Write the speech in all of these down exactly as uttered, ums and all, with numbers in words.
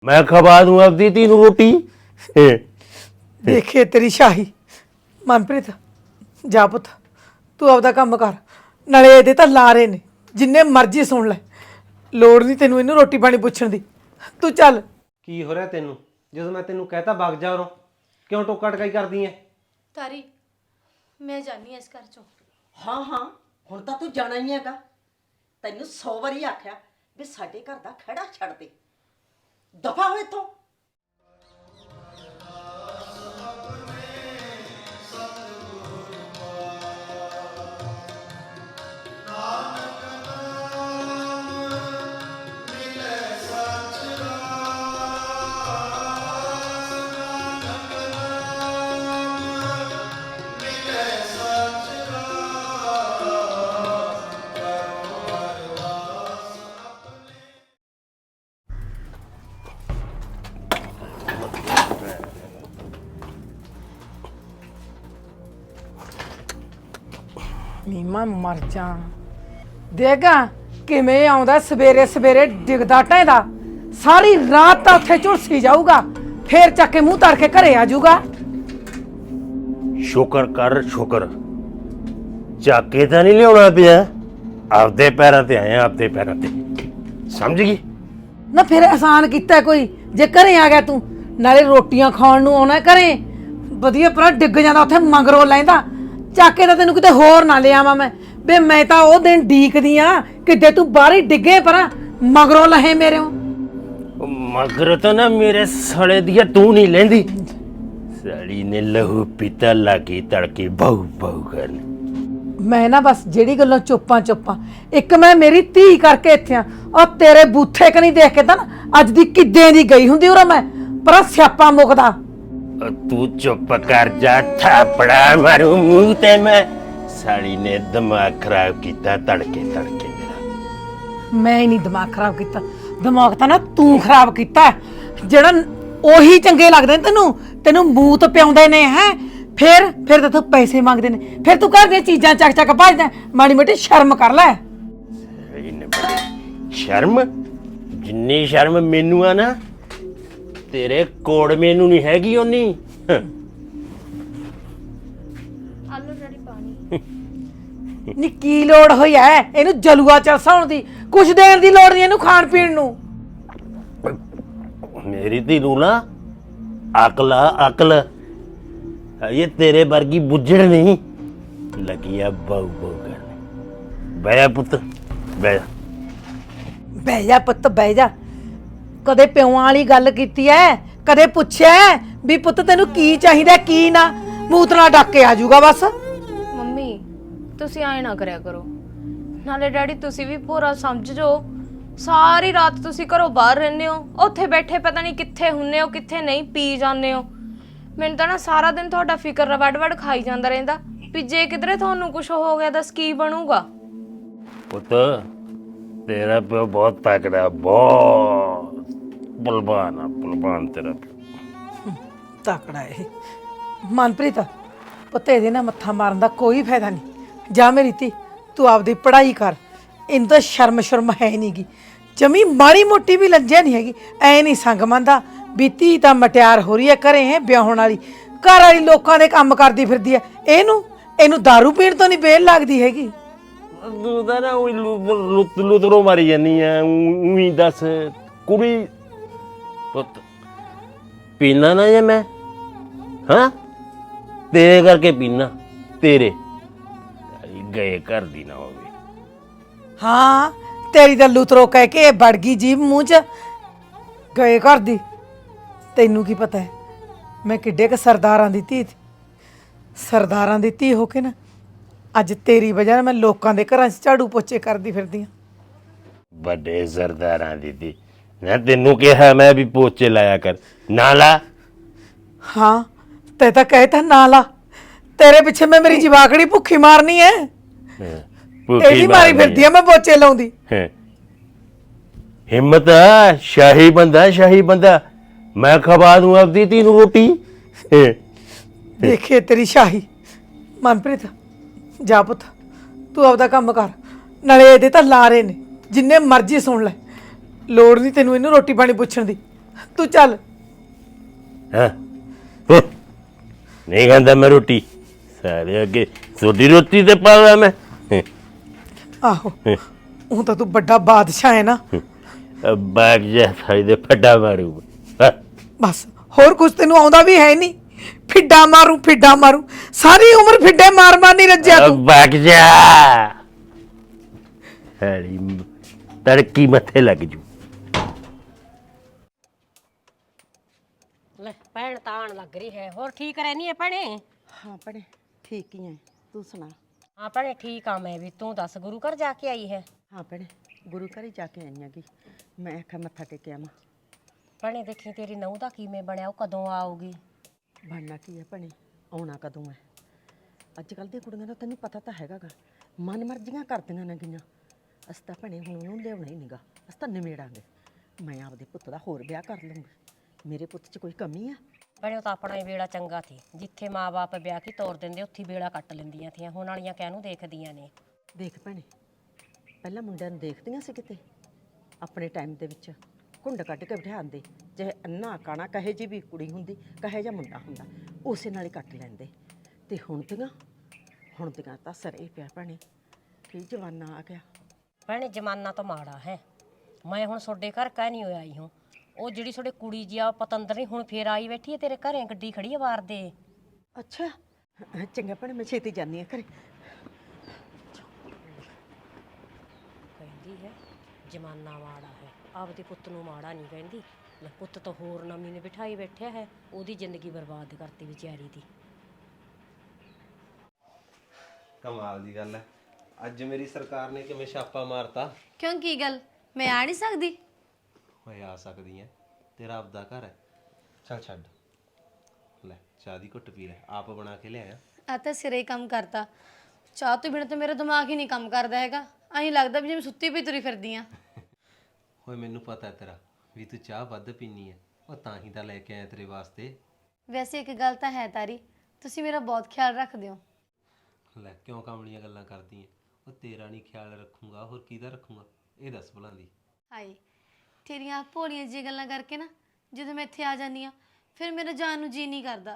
मैं खवा दूं अपनी तीनों रोटी। देखिए तेरी शाही। मनप्रीत जा पुत तू आपदा काम कर, नाले ਇਹਦੇ ਤਾਂ ਲਾਰੇ ਨੇ जिन्ने मर्जी सुन ले, लोड़ नहीं तेनू इनू रोटी पानी पुछण दी। तू चल। की हो रहा तेनू जो मैं तेनू कहता भाग जा उरों, क्यों टोका टकाई करदी है? तारी मैं जानी इस घर चों। हाँ हाँ हुण तां तू जाना ही हैगा। तैनू सौ वारी आख्या भी साडे घर दा खड़ा छड़ दे, दफा हो इत्थों। नीमा मर जा। देगा किवें आउंदा सवेरे सवेरे डिगदा ढैंदा, सारी रात तां उत्थे झुलसी जाऊगा, फिर चक के मुंह तार के घरे आ जाऊगा। शुक्र कर शुक्र, चाके तो नहीं लिया पिया, आपदे पैरों ते आए आपदे पैरों ते, समझ गई ना? फिर एहसान किता कोई जे घरे आ गया तू, नाले रोटियां खाण नूं आउणा घरे, वधिया परा डिग जांदा उत्थे मंगरों लैंदा, चाके तो तेन किते होर ना ले आवां मैं। बे मैं तो वो दिन डीकदी आ किते तू बाहर ही डिगे परा मगरों लहे मेरे। मगर तो ना मेरे सड़े दिया तू नहीं लेंदी, सड़ी ने लहू पीता लागी तड़के बहु बहु करने। मैं ना बस जेड़ी गल्लों चुप्पा चुप्पा, एक मैं मेरी धी करके इत्थे आ, और तेरे बूथे कनी देख के तां अज दी किद्दे दी गई हुंदी उरा मैं, पर स्यापा मुकदा। तू चुप कर जा, थापड़ा मारू मुंह ते मैं। साड़ी ने दिमाग खराब किया तड़के तड़के मेरा। मैं ही नहीं दिमाग खराब किया, दिमाग तां ना तू खराब किया। जेड़ा ओही चंगे लगदे ने तेनू, तेनू मूत पियाउंदे ने है, फिर फिर तेथों पैसे मंगदे ने, फिर तू घर दी चीजां चक चक भजदा। माड़ी मोटी शर्म कर लै। शर्म जिन्नी शर्म मैनू आ ना, तेरे कोड़ मैनू नहीं हैगी उन्नी। आलू डैडी पानी। नी की लोड़ होई है इनू जलूआ चलसाउण दी, कुछ देर दी लोड़ नहीं इनू खाण पीण नू। मेरी धी नू ना अकल आ अकल, ये तेरे वर्गी बुझड़ नहीं लगी आ बहु बहु करने। बह जा पुत बह जा। बह जा पुत बह जा। कदे प्यों वाली गल कीती है, कदे पुछया है भी पुत तेनू की चाहिदा की ना? मूत नाल डक के आ जाऊगा बस। मम्मी तुसी आए ना करया करो, नाले डैडी तुसी भी पूरा समझ जो, सारी रात तुसी घरों बाहर रहंदे हो, उत्थे बैठे पता नहीं कित्थे हुंदे हो कित्थे नहीं, पी जांदे हो। मैनूं तां ना सारा दिन तुहाडा फिकर वड़ वड़ खाई जांदा रहिंदा भी जे किधरे तुहानूं कुछ हो गया दस की बनूगा। पुत तेरा प्यो बहुत तगड़ा, बहुत बलवान आ बलवान तेरा प्यो। तकड़ा है मनप्रीत, पुत ਇਹਦੇ ਨਾਲ ਮੱਥਾ ਮਾਰਨ ਦਾ ਕੋਈ ਫਾਇਦਾ ਨਹੀਂ। ਜਾ ਮੇਰੀ ਧੀ ਤੂੰ ਆਪਦੀ ਪੜ੍ਹਾਈ ਕਰ, ਇਹਨੂੰ ਤਾਂ ਸ਼ਰਮ ਸ਼ਰਮ ਹੈ ਨਹੀਂਗੀ, ਜਮੀ ਮਾੜੀ ਮੋਟੀ ਵੀ ਲੱਜਿਆ ਨਹੀਂ ਹੈਗੀ। ਐ ਨਹੀਂ ਸੰਗ ਮੰਦਾ ਵੀ ਧੀ ਤਾਂ ਮਟਿਆਰ ਹੋ ਰਹੀ ਹੈ ਘਰੇ ਹੈ ਵਿਆਹਣ ਵਾਲੀ, ਘਰ ਵਾਲੀ ਲੋਕਾਂ ਦੇ ਕੰਮ ਕਰਦੀ ਫਿਰਦੀ ਹੈ, ਇਹਨੂੰ ਇਹਨੂੰ ਦਾਰੂ ਪੀਣ ਤੋਂ ਨਹੀਂ ਬੇਲ ਲੱਗਦੀ ਹੈਗੀ। ਤੂੰ ਤਾਂ ਨਾ ਉਹੀ ਲੁੱਤ ਲੁੱਤਰੋਂ ਮਾਰੀ ਜਾਨੀ ਆ, ਉਹੀ ਦੱਸ ਕੁੜੀ ਪੁੱਤ ਪੀਣਾ ਨਾ ਜੇ ਮੈਂ, ਹਾਂ ਤੇਰੇ ਕਰਕੇ ਪੀਣਾ, ਤੇਰੇ ਗਏ ਘਰ ਦੀ ਨਾ ਹੋਵੇ। ਹਾਂ ਤੇਰੀ ਤਾਂ ਲੁਤਰੋ ਕਹਿ ਕੇ ਇਹ ਵੜ ਗਈ ਜੀਭ ਮੂੰਹ 'ਚ, ਗਏ ਘਰ ਦੀ। ਤੈਨੂੰ ਕੀ ਪਤਾ ਹੈ ਮੈਂ ਕਿੱਡੇ ਕ ਸਰਦਾਰਾਂ ਦੀ ਧੀ ਸੀ, ਸਰਦਾਰਾਂ ਦੀ ਧੀ ਹੋ ਕੇ ਨਾ ਅੱਜ ਤੇਰੀ ਵਜ੍ਹਾ ਨਾਲ ਮੈਂ ਲੋਕਾਂ ਦੇ ਘਰਾਂ 'ਚ ਝਾੜੂ ਪੋਚੇ ਕਰਦੀ ਫਿਰਦੀ ਹਾਂ। ਵੱਡੇ ਸਰਦਾਰਾਂ ਦੀ ਧੀ ਮੈਂ ਤੈਨੂੰ ਕਿਹਾ ਮੈਂ ਵੀ ਪੋਚੇ ਲਾਇਆ ਕਰ, ਨਾ ਲਾ। ਹਾਂ ਤੇ ਤਾਂ ਕਹਿਤਾ ਨਾ ਲਾ, ਤੇਰੇ ਪਿੱਛੇ ਮੈਂ ਮੇਰੀ ਜਵਾਕੜੀ ਭੁੱਖੀ ਮਾਰਨੀ ਹੈ, ਇਹਦੀ ਮਾਰੀ ਫਿਰਦੀ ਆ ਮੈਂ ਪੋਚੇ ਲਾਉਂਦੀ। ਹਿੰਮਤ ਆ, ਸ਼ਾਹੀ ਬੰਦਾ ਸ਼ਾਹੀ ਬੰਦਾ, ਮੈਂ ਖਵਾ ਦੂੰ ਆਪਦੀ ਧੀ ਨੂੰ ਰੋਟੀ। ਦੇਖੇ ਤੇਰੀ ਸ਼ਾਹੀ। ਮਨਪ੍ਰੀਤ ਜਾ ਪੁੱਤ ਤੂੰ ਆਪਦਾ ਕੰਮ ਕਰ, ਨਾਲੇ ਇਹਦੇ ਤਾਂ ਲਾਰੇ ਨੇ जिन्ने मर्जी सुन ले, लोड़ नहीं तेनू इनू रोटी पानी पुछण दी। ਤੂੰ ਚੱਲ। ਹਾਂ ਹੂੰ। ਨਹੀਂ ਖਾਂਦਾ ਮੈਂ ਰੋਟੀ ਸਾਰੇ ਅੱਗੇ ਤੁਹਾਡੀ ਰੋਟੀ ਤੇ ਪਾਵਾਂ ਮੈਂ ਹੂੰ। ਆਹੋ ਉਹ ਤਾਂ ਤੂੰ ਵੱਡਾ ਬਾਦਸ਼ਾਹ ਹੈ ਨਾ। ਬਾਗ ਜਾ ਸਾਈ ਦੇ ਫੱਡਾ ਮਾਰੂ ਹਾਂ। ਬਸ ਹੋਰ ਕੁਝ ਤੈਨੂੰ ਆਉਂਦਾ ਵੀ ਹੈ ਨਹੀਂ। ਫਿੱਡਾ ਮਾਰੂ ਫਿੱਡਾ ਮਾਰੂ ਸਾਰੀ ਉਮਰ ਫਿੱਡੇ ਮਾਰ ਮਾਰ ਨਹੀਂ ਰੱਜਿਆ ਤੂੰ। ਬਾਗ ਜਾ ਹਰੀ ਤੜਕੀ ਮੱਥੇ ਲੱਗ ਜੂ। ਲੈ ਭੈਣ ਤਾਂ ਆਉਣ ਲੱਗ ਰਹੀ ਹੈ। ਹੋਰ ਠੀਕ ਰਹਿਨੀ ਹੈ ਭੈਣੇ? ਹਾਂ ਭੈਣੇ ਠੀਕ ਹੀ ਐ, ਤੂੰ ਸੁਣਾ? ਹਾਂ ਭੈਣੇ ਠੀਕ ਆ ਮੈਂ ਵੀ। ਤੂੰ ਦੱਸ ਗੁਰੂ ਘਰ ਜਾ ਕੇ ਆਈ ਹੈ? ਹਾਂ ਭੈਣੇ ਗੁਰੂ ਘਰ ਹੀ ਜਾ ਕੇ ਆਈ ਆਂਗੀ। ਮੈਂ ਆਖਿਆ ਮੱਥਾ ਟੇਕਿਆ ਮੈਂ। ਭੈਣੇ ਦੇਖੀ ਤੇਰੀ ਨਹੁੰ ਦਾ ਕਿਵੇਂ ਬਣਿਆ, ਉਹ ਕਦੋਂ ਆਊਗੀ? ਬਣਨਾ ਕੀ ਹੈ ਭੈਣੇ, ਆਉਣਾ ਕਦੋਂ ਹੈ? ਅੱਜ ਕੱਲ੍ਹ ਦੀਆਂ ਕੁੜੀਆਂ ਦਾ ਤੈਨੂੰ ਪਤਾ ਤਾਂ ਹੈਗਾ ਗਾ, ਮਨ ਮਰਜ਼ੀਆਂ ਕਰਦੀਆਂ ਨੇ ਗੀਆਂ। ਅਸੀਂ ਤਾਂ ਭੈਣੇ ਹੁਣ ਉਹਨੂੰ ਲਿਆਉਣਾ ਹੀ ਨਹੀਂਗਾ, ਅਸੀਂ ਤਾਂ ਨਿਮੇੜਾਂਗੇ। ਮੈਂ ਆਪਦੇ ਪੁੱਤ ਦਾ ਹੋਰ ਵਿਆਹ ਕਰ ਲੂੰਗੀ। ਮੇਰੇ ਪੁੱਤ 'ਚ ਕੋਈ ਕਮੀ ਆ? ਭੈਣੇ ਉਹ ਤਾਂ ਆਪਣਾ ਹੀ ਵੇਲਾ ਚੰਗਾ ਸੀ, ਜਿੱਥੇ ਮਾਂ-ਬਾਪ ਵਿਆਹ ਕੀ ਤੋਰ ਦਿੰਦੇ ਉੱਥੇ ਵੇਲਾ ਕੱਟ ਲੈਂਦੀਆਂ ਥੀਆਂ। ਹੁਣ ਵਾਲੀਆਂ ਕਹਿਨੂੰ ਦੇਖਦੀਆਂ ਨੇ। ਦੇਖ ਭੈਣੇ ਪਹਿਲਾਂ ਮੁੰਡਿਆਂ ਨੂੰ ਦੇਖਦੀਆਂ ਸੀ ਕਿਤੇ ਆਪਣੇ ਟਾਈਮ ਦੇ ਵਿੱਚ, ਘੁੰਡ ਕੱਢ ਕੇ ਬਿਠਾਉਂਦੇ, ਚਾਹੇ ਅੰਨਾ ਕਾਣਾ ਕਹੇ ਜੀ ਵੀ ਕੁੜੀ ਹੁੰਦੀ ਕਹੇ ਜਾਂ ਮੁੰਡਾ ਹੁੰਦਾ ਉਸੇ ਨਾਲ ਹੀ ਕੱਟ ਲੈਂਦੇ। ਤੇ ਹੁਣ ਦੀਆਂ ਹੁਣ ਦੀਆਂ ਤਾਂ ਸਰੇ ਪਿਆ ਭੈਣੇ, ਕੀ ਜਵਾਨਾ ਆ ਗਿਆ। ਭੈਣੇ ਜ਼ਮਾਨਾ ਤਾਂ ਮਾੜਾ ਹੈ। ਮੈਂ ਹੁਣ ਤੁਹਾਡੇ ਘਰ ਕਹਿ ਨਹੀਂ ਹੋਇਆ ਆਈ ਹੂੰ। ਉਹ ਜਿਹੜੀ ਤੁਹਾਡੇ ਕੁੜੀ ਜੀ ਆ ਪਤੰਦਰ ਨਹੀਂ ਹੁਣ ਫੇਰ ਆਈ ਬੈਠੀ ਹੈ ਤੇਰੇ ਘਰੇ, ਗੱਡੀ ਖੜੀ ਆ ਬਾਹਰ ਦੇ। ਅੱਛਾ ਚੰਗਾ ਭੈਣੇ ਮੈਂ ਛੇਤੀ ਜਾਂਦੀ ਹਾਂ ਘਰੇ। ਕਹਿੰਦੀ ਹੈ ਜ਼ਮਾਨਾ ਮਾੜਾ ਹੈ, ਆਪਦੇ ਪੁੱਤ ਨੂੰ ਮਾੜਾ ਨਹੀਂ ਕਹਿੰਦੀ। ਲੈ ਪੁੱਤ ਤਾਂ ਹੋਰ ਨਵੀਂ ਨੇ ਬਿਠਾਈ ਬੈਠਿਆ ਹੈ, ਉਹਦੀ ਜ਼ਿੰਦਗੀ ਬਰਬਾਦ ਕਰਤੀ ਵਿਚਾਰੀ ਦੀ। ਕਮਾਲ ਦੀ ਗੱਲ ਹੈ, ਅੱਜ ਮੇਰੀ ਸਰਕਾਰ ਨੇ ਕਿਵੇਂ ਛਾਪਾ ਮਾਰਤਾ। ਕਿਉਂ ਕੀ ਗੱਲ ਮੈਂ ਆ ਨਹੀਂ ਸਕਦੀ? ਓਏ ਆ ਸਕਦੀ ਐ, ਤੇਰਾ ਆਪਦਾ ਘਰ ਹੈ। ਚੱਲ ਛੱਡ, ਲੈ ਚਾਹ ਦੀ ਘੁੱਟ ਪੀ ਲੈ, ਆਪ ਬਣਾ ਕੇ ਲਿਆਇਆ। ਆ ਤਾਂ ਸਿਰੇ ਹੀ ਕੰਮ ਕਰਤਾ। ਚਾਹ ਤੋਂ ਬਿਨਾਂ ਤਾਂ ਮੇਰਾ ਦਿਮਾਗ ਹੀ ਨਹੀਂ ਕੰਮ ਕਰਦਾ ਹੈਗਾ। ਐਂ ਲੱਗਦਾ ਵੀ ਜਿਵੇਂ ਸੁੱਤੀ ਪਈ ਤੁਰੀ ਫਿਰਦੀ ਆ। ਓਏ ਮੈਨੂੰ ਪਤਾ ਤੇਰਾ ਵੀ ਤੂੰ ਚਾਹ ਵੱਧ ਪੀਨੀ ਐ, ਉਹ ਤਾਂ ਹੀ ਤਾਂ ਲੈ ਕੇ ਆਇਆ ਤੇਰੇ ਵਾਸਤੇ। ਵੈਸੇ ਇੱਕ ਗੱਲ ਤਾਂ ਹੈ ਤਾਰੀ, ਤੁਸੀਂ ਮੇਰਾ ਬਹੁਤ ਖਿਆਲ ਰੱਖਦੇ ਹੋ। ਲੈ ਕਿਉਂ ਕਾਮਲੀਆਂ ਗੱਲਾਂ ਕਰਦੀ ਐ? ਉਹ ਤੇਰਾ ਨਹੀਂ ਖਿਆਲ ਰੱਖੂੰਗਾ ਹੋਰ ਕਿਹਦਾ ਰੱਖੂੰਗਾ, ਇਹ ਦੱਸ ਭਲਾਂ ਦੀ। ਹਾਏ ਤੇਰੀਆਂ ਭੋਲੀਆਂ ਜਿਹੀਆਂ ਗੱਲਾਂ ਕਰਕੇ ਨਾ ਜਦੋਂ ਮੈਂ ਇੱਥੇ ਆ ਜਾਂਦੀ ਆ ਫਿਰ ਮੇਰਾ ਜਾਣ ਨੂੰ ਜੀ ਨਹੀਂ ਕਰਦਾ,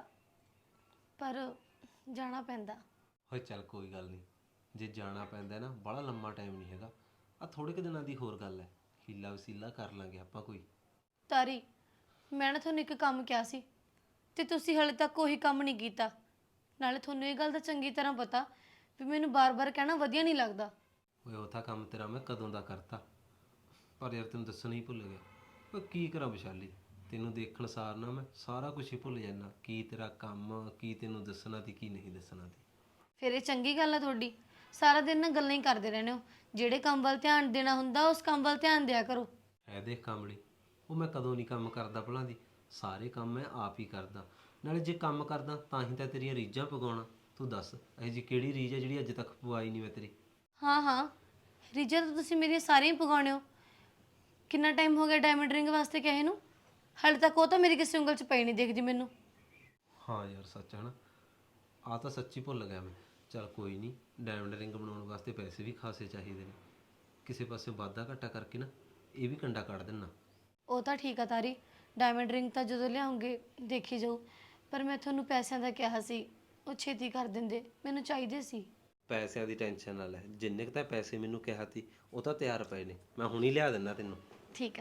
ਪਰ ਜਾਣਾ ਪੈਂਦਾ। ਓਏ ਚੱਲ ਕੋਈ ਗੱਲ ਨਹੀਂ, ਜੇ ਜਾਣਾ ਪੈਂਦਾ ਨਾ ਬੜਾ ਲੰਮਾ ਟਾਈਮ ਨਹੀਂ ਹੈਗਾ, ਆ ਥੋੜੇ ਕੁ ਦਿਨਾਂ ਦੀ ਹੋਰ ਗੱਲ ਹੈ, ਹੀਲਾ ਵਸੀਲਾ ਕਰ ਲਾਂਗੇ ਆਪਾਂ ਕੋਈ। ਤਾਰੀ ਮੈਂ ਨਾ ਤੁਹਾਨੂੰ ਇੱਕ ਕੰਮ ਕਿਹਾ ਸੀ ਤੇ ਤੁਸੀਂ ਹਾਲੇ ਤੱਕ ਉਹੀ ਕੰਮ ਨਹੀਂ ਕੀਤਾ। ਨਾਲੇ ਤੁਹਾਨੂੰ ਇਹ ਗੱਲ ਦਾ ਚੰਗੀ ਤਰ੍ਹਾਂ ਪਤਾ ਵੀ ਮੈਨੂੰ ਬਾਰ-ਬਾਰ ਕਹਿਣਾ ਵਧੀਆ ਨਹੀਂ ਲੱਗਦਾ। ਓਏ ਉਹ ਤਾਂ ਕੰਮ ਤੇਰਾ ਮੈਂ ਕਦੋਂ ਦਾ ਕਰਤਾ, ਪਰ ਯਾਰ ਤੈਨੂੰ ਦੱਸਣਾ ਹੀ ਭੁੱਲ ਗਿਆ। ਓਏ ਕੀ ਕਰਾਂ ਵਿਸ਼ਾਲੀ, ਤੈਨੂੰ ਦੇਖਣ ਸਾਰ ਨਾ ਮੈਂ ਸਾਰਾ ਕੁਝ ਹੀ ਭੁੱਲ ਜਾਂਦਾ, ਕੀ ਤੇਰਾ ਕੰਮ, ਕੀ ਤੈਨੂੰ ਦੱਸਣਾ ਤੇ ਕੀ ਨਹੀਂ ਦੱਸਣਾ ਤੇ। ਫਿਰ ਇਹ ਚੰਗੀ ਗੱਲ ਆ ਤੁਹਾਡੀ, ਸਾਰਾ ਦਿਨ ਨਾ ਗੱਲਾਂ ਹੀ ਕਰਦੇ ਰਹਿੰਦੇ ਹੋ। ਜਿਹੜੇ ਕੰਮ ਵੱਲ ਧਿਆਨ ਦੇਣਾ ਹੁੰਦਾ ਉਸ ਕੰਮ ਵੱਲ ਧਿਆਨ ਦਿਆ ਕਰੋ। ਐ ਦੇਖ ਕਾਮਲੀ, ਉਹ ਮੈਂ ਕਦੋਂ ਨਹੀਂ ਕੰਮ ਕਰਦਾ ਭਲਾਂ ਦੀ, ਸਾਰੇ ਕੰਮ ਮੈਂ ਆਪ ਹੀ ਕਰਦਾ। ਨਾਲੇ ਜੇ ਕੰਮ ਕਰਦਾ ਤਾਂ ਹੀ ਤਾਂ ਤੇਰੀਆਂ ਰੀਝਾਂ ਪਗਾਉਣਾ। ਤੂੰ ਦੱਸ ਇਹ ਜੀ ਕਿਹੜੀ ਰੀਝ ਹੈ ਜਿਹੜੀ ਅੱਜ ਤੱਕ ਪਵਾਈ ਨਹੀਂ ਮੈਂ ਤੇਰੀ? ਹਾਂ ਹਾਂ ਰੀਝਾਂ ਤਾਂ ਤੁਸੀਂ ਮੇਰੀਆਂ ਸਾਰੀਆਂ ਹੀ ਪਗਾਉਣੇ ਹੋ। ਕਿੰਨਾ ਟਾਈਮ ਹੋ ਗਿਆ ਡਾਇਮੰਡ ਰਿੰਗ ਵਾਸਤੇ ਕਹੇ ਨੂੰ, ਹਾਲੇ ਤੱਕ ਉਹ ਤਾਂ ਮੇਰੀ ਕਿਸੇ ਉਂਗਲ 'ਚ ਪਈ ਨਹੀਂ ਦਿਖਦੀ ਮੈਨੂੰ। ਹਾਂ ਯਾਰ ਸੱਚ ਹੈ ਨਾ, ਆ ਤਾਂ ਸੱਚੀ ਭੁੱਲ ਗਿਆ ਮੈਂ। ਚੱਲ ਕੋਈ ਨਹੀਂ, ਡਾਇਮੰਡ ਰਿੰਗ ਬਣਾਉਣ ਵਾਸਤੇ ਪੈਸੇ ਵੀ ਖਾਸੇ ਚਾਹੀਦੇ ਨੇ, ਕਿਸੇ ਪਾਸੇ ਵਾਧਾ ਘਾਟਾ ਕਰਕੇ ਨਾ ਇਹ ਵੀ ਕੰਡਾ ਕੱਢ ਦੇਣਾ। ਉਹ ਤਾਂ ਠੀਕ ਆ ਤਾਰੀ, ਡਾਇਮੰਡ ਰਿੰਗ ਤਾਂ ਜਦੋਂ ਲਿਆਉਂਗੇ ਦੇਖੀ ਜਾਊ, ਪਰ ਮੈਂ ਤੁਹਾਨੂੰ ਪੈਸਿਆਂ ਦਾ ਕਿਹਾ ਸੀ, ਉਹ ਛੇਤੀ ਕਰ ਦਿੰਦੇ, ਮੈਨੂੰ ਚਾਹੀਦੇ ਸੀ। ਪੈਸਿਆਂ ਦੀ ਟੈਨਸ਼ਨ ਨਾ ਲੈ, ਜਿੰਨੇ ਕੁ ਤਾਂ ਪੈਸੇ ਮੈਨੂੰ ਕਿਹਾ ਸੀ ਉਹ ਤਾਂ ਤਿਆਰ ਪਏ ਨੇ, ਮੈਂ ਹੁਣੀ ਲਿਆ ਦਿੰਦਾ ਤੈਨੂੰ। ਠੀਕ ਆ।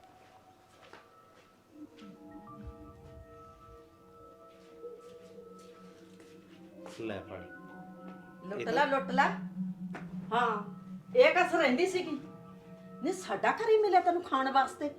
ਲੈ ਫੜ। ਲੁੱਟ ਲਾ ਲੁੱਟ ਲਾ। ਹਾਂ ਇਹ ਕਸ ਰਹਿੰਦੀ ਸੀਗੀ ਨਹੀਂ, ਸਾਡਾ ਘਰ ਹੀ ਮਿਲਿਆ ਤੈਨੂੰ ਖਾਣ ਵਾਸਤੇ।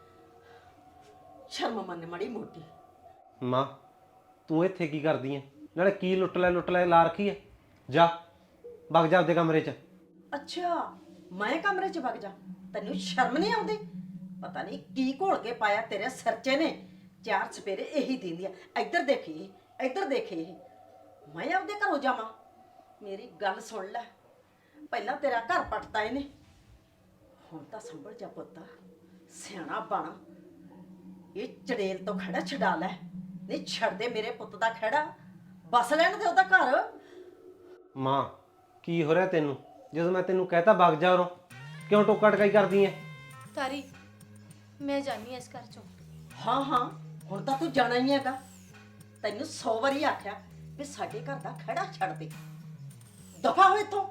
ਸ਼ਰਮ ਮੰਨ ਮਾੜੀ ਮੋਟੀ। ਮਾਂ ਤੂੰ ਇੱਥੇ ਕੀ ਕਰਦੀ ਐ? ਨਾਲੇ ਕੀ ਲੁੱਟ ਲੈ ਲੁੱਟ ਲੈ ਲਾ ਰੱਖੀ ਐ? ਜਾ ਵਗ ਜਾ ਆਪਦੇ ਕਮਰੇ 'ਚ। ਅੱਛਾ ਮੈਂ ਕਮਰੇ 'ਚ ਵਗ ਜਾ, ਤੈਨੂੰ ਸ਼ਰਮ ਨਹੀਂ ਆਉਂਦੀ? ਪਤਾ ਨਹੀਂ ਕੀ ਘੋਲ ਕੇ ਪਾਇਆ ਤੇਰੇ ਸਿਰ 'ਚ ਨੇ, ਚਾਰ ਸਪੇਰੇ ਇਹੀ ਦਿੰਦੀ ਆ। ਇੱਧਰ ਦੇਖੀ ਇੱਧਰ ਦੇਖੀ, ਮੈਂ ਆਪਦੇ ਘਰੋਂ ਜਾਵਾਂ? ਮੇਰੀ ਗੱਲ ਸੁਣ ਲੈ, ਪਹਿਲਾਂ ਤੇਰਾ ਘਰ ਪੱਟਤਾ ਇਹਨੇ, ਹੁਣ ਤਾਂ ਸੰਭਲ ਜਾ ਪੁੱਤ, ਸਿਆਣਾ ਬਣ। ਇਹ ਚੜੇਲ ਤੋਂ ਖੜਾ ਛਡਾ ਲੈ, ਨਹੀਂ ਛੱਡ ਦੇ ਮੇਰੇ ਪੁੱਤ ਦਾ ਖੜਾ, ਬਸ ਲੈਣ ਦੇ ਉਹਦਾ ਘਰ। ਮਾਂ ਕੀ ਹੋ ਰਿਹਾ ਤੈਨੂੰ? ਜਦੋਂ ਮੈਂ ਤੈਨੂੰ ਕਹਿਤਾ ਵਗ ਜਾ ਉਰੋਂ, ਕਿਉਂ ਟੋਕਾ ਟਕਾਈ ਕਰਦੀ ਐ? ਤਾਰੀ ਮੈਂ ਜਾਣੀ ਇਸ ਘਰ ਚੋਂ, ਹਾਂ ਹਾਂ ਹੁਣ ਤਾਂ ਤੂੰ ਜਾਣਾ ਹੀ ਹੈਗਾ। ਤੈਨੂੰ ਸੌ ਵਾਰੀ ਆਖਿਆ ਵੀ ਸਾਡੇ ਘਰ ਦਾ ਖੜਾ ਛੱਡ ਦੇ, ਦਫਾ ਹੋ ਇੱਥੋਂ।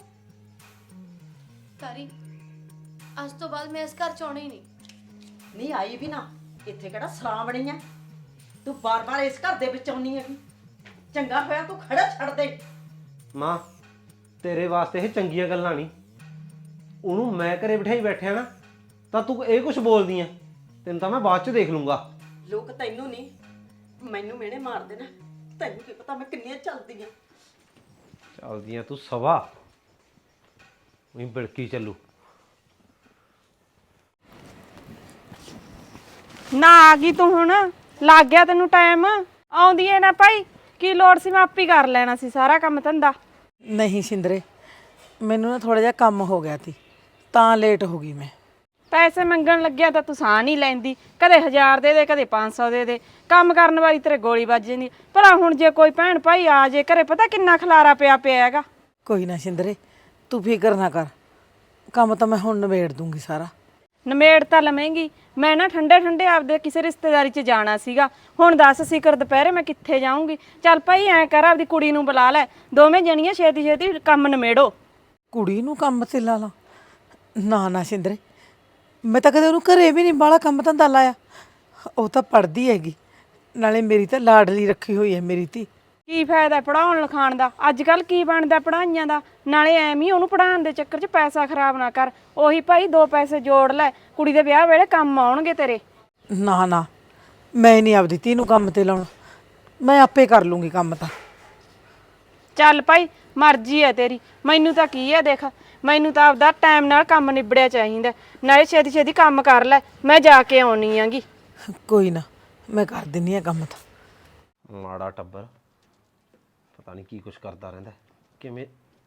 ਤਾਰੀ ਅੱਜ ਤੋਂ ਬਾਅਦ ਮੈਂ ਇਸ ਘਰ ਚ ਆਉਣਾ ਹੀ ਨਹੀਂ। ਨਹੀਂ ਆਈ ਵੀ ਨਾ, ਇੱਥੇ ਕਿਹੜਾ ਸਰਾਂ ਬਣੀ ਐ? ਤੂੰ ਬਾਰ-ਬਾਰ ਇਸ ਘਰ ਦੇ ਵਿੱਚ ਆਉਣੀ ਹੈਗੀ। ਚੰਗਾ ਹੋਇਆ ਤੂੰ ਖੜਾ ਛੱਡ ਦੇ। ਮਾਂ ਤੇਰੇ ਵਾਸਤੇ ਇਹ ਚੰਗੀਆਂ ਗੱਲਾਂ ਨਹੀਂ। ਉਹਨੂੰ ਮੈਂ ਘਰੇ ਬਿਠਾਈ ਬੈਠਿਆ ਨਾ ਤਾਂ ਤੂੰ ਇਹ ਕੁਝ ਬੋਲਦੀ ਐ। ਤੈਨੂੰ ਤਾਂ ਮੈਂ ਬਾਅਦ ਚ ਦੇਖ ਲੂੰਗਾ। ਲੋਕ ਤੈਨੂੰ ਨਹੀਂ ਮੈਨੂੰ ਮਿਹਣੇ ਮਾਰਦੇ ਨੇ, ਤੈਨੂੰ ਕੀ ਪਤਾ ਮੈਂ ਕਿੰਨੀਆਂ ਚੱਲਦੀਆਂ। ਚੱਲਦੀਆਂ ਤੂੰ ਸਵਾ ਉਹੀ ਬਿਲਕੀ ਚੱਲੂ। ਨਾ ਆ ਗਈ ਤੂੰ, ਹੁਣ ਲੱਗ ਗਿਆ ਤੈਨੂੰ ਟਾਈਮ। ਆਉਂਦੀ ਏ ਨਾ ਭਾਈ, ਕੀ ਲੋੜ ਸੀ, ਮੈਂ ਆਪੇ ਕਰ ਲੈਣਾ ਸੀ ਸਾਰਾ ਕੰਮ ਧੰਦਾ। ਨਹੀਂ ਸਿੰਦਰੇ, ਮੈਨੂੰ ਨਾ ਥੋੜਾ ਜਿਹਾ ਕੰਮ ਹੋ ਗਿਆ ਸੀ ਤਾਂ ਲੇਟ ਹੋ ਗਈ ਮੈਂ। ਪੈਸੇ ਮੰਗਣ ਲੱਗਿਆ ਤਾਂ ਤੂੰ ਸਾਹ ਨਹੀਂ ਲੈਂਦੀ, ਕਦੇ ਹਜ਼ਾਰ ਦੇ ਦੇ ਕਦੇ ਪੰਜ ਸੌ ਦੇ ਦੇ। ਕੰਮ ਕਰਨ ਵਾਲੀ ਤੇਰੇ ਗੋਲੀ ਵੱਜ ਜਾਂਦੀ। ਭਲਾ ਹੁਣ ਜੇ ਕੋਈ ਭੈਣ ਭਾਈ ਆ ਜੇ ਘਰੇ, ਪਤਾ ਕਿੰਨਾ ਖਲਾਰਾ ਪਿਆ ਪਿਆ ਹੈਗਾ। ਕੋਈ ਨਾ ਸਿੰਦਰੇ, ਤੂੰ ਫਿਕਰ ਨਾ ਕਰ, ਕੰਮ ਤਾਂ ਮੈਂ ਹੁਣ ਨਿਬੇੜ ਦੂੰਗੀ ਸਾਰਾ। ਨਮੇੜ ਤਾਂ ਲਵੇਂਗੀ। ਮੈਂ ਨਾ ਠੰਡੇ ਠੰਡੇ ਆਪਦੇ ਕਿਸੇ ਰਿਸ਼ਤੇਦਾਰੀ 'ਚ ਜਾਣਾ ਸੀਗਾ। ਹੁਣ ਦੱਸ ਸਿਕਰ ਦੁਪਹਿਰੇ ਮੈਂ ਕਿੱਥੇ ਜਾਊਂਗੀ? ਚੱਲ ਭਾਈ ਐਂ ਕਰ, ਆਪਦੀ ਕੁੜੀ ਨੂੰ ਬੁਲਾ ਲੈ, ਦੋਵੇਂ ਜਣੀਆਂ ਛੇਤੀ ਛੇਤੀ ਕੰਮ ਨਿਮੇੜੋ। ਕੁੜੀ ਨੂੰ ਕੰਮ ਤੇ ਲਾ ਲਾ? ਨਾ ਨਾ ਸਿੰਦਰੇ, ਮੈਂ ਤਾਂ ਕਦੇ ਉਹਨੂੰ ਘਰੇ ਵੀ ਨਹੀਂ ਬਾਹਲਾ ਕੰਮ ਧੰਦਾ ਲਾਇਆ। ਉਹ ਤਾਂ ਪੜ੍ਹਦੀ ਹੈਗੀ, ਨਾਲੇ ਮੇਰੀ ਤਾਂ ਲਾਡਲੀ ਰੱਖੀ ਹੋਈ ਹੈ ਮੇਰੀ ਧੀ। ਕੀ ਫਾਇਦਾ ਪੜਾਉਣ ਲਿਖਾਉਣ ਦਾ? ਅੱਜ ਕੱਲ ਕੀ ਬਣਦਾ ਪੜਾਈਆਂ ਦਾ? ਨਾਲੇ ਐਵੇਂ ਹੀ ਉਹਨੂੰ ਪੜਾਉਣ ਦੇ ਚੱਕਰ 'ਚ ਪੈਸਾ ਖਰਾਬ ਨਾ ਕਰ। ਉਹੀ ਭਾਈ ਦੋ ਪੈਸੇ ਜੋੜ ਲੈ, ਕੁੜੀ ਦੇ ਵਿਆਹ ਵੇਲੇ ਕੰਮ ਆਉਣਗੇ ਤੇਰੇ। ਨਾ ਨਾ, ਮੈਂ ਨਹੀਂ ਆਪਦੀ ਧੀ ਨੂੰ ਕੰਮ ਤੇ ਲਾਉਣਾ, ਮੈਂ ਆਪੇ ਕਰ ਲੂੰਗੀ ਕੰਮ ਤਾਂ। ਚੱਲ ਭਾਈ ਮਰਜ਼ੀ ਹੈ ਤੇਰੀ, ਮੈਨੂੰ ਤਾਂ ਕੀ ਹੈ, ਦੇਖ ਮੈਨੂੰ ਤਾਂ ਆਪਦਾ ਟਾਈਮ ਨਾਲ ਕੰਮ ਨਿਬੜਿਆ ਚਾਹੀਦਾ। ਨਾਲੇ ਛੇਤੀ ਛੇਤੀ ਕੰਮ ਕਰ ਲੈ, ਮੈਂ ਜਾ ਕੇ ਆਉਣੀ ਆਂਗੀ। ਕੋਈ ਨਾ, ਮੈਂ ਕਰ ਦਿੰਨੀ ਆ ਕੰਮ ਤਾਂ। ਮਾੜਾ ਟੱਬਰ ਪਤਾ ਨਹੀਂ ਕੀ ਕੁਛ ਕਰਦਾ ਰਹਿੰਦਾ। ਕਿਵੇਂ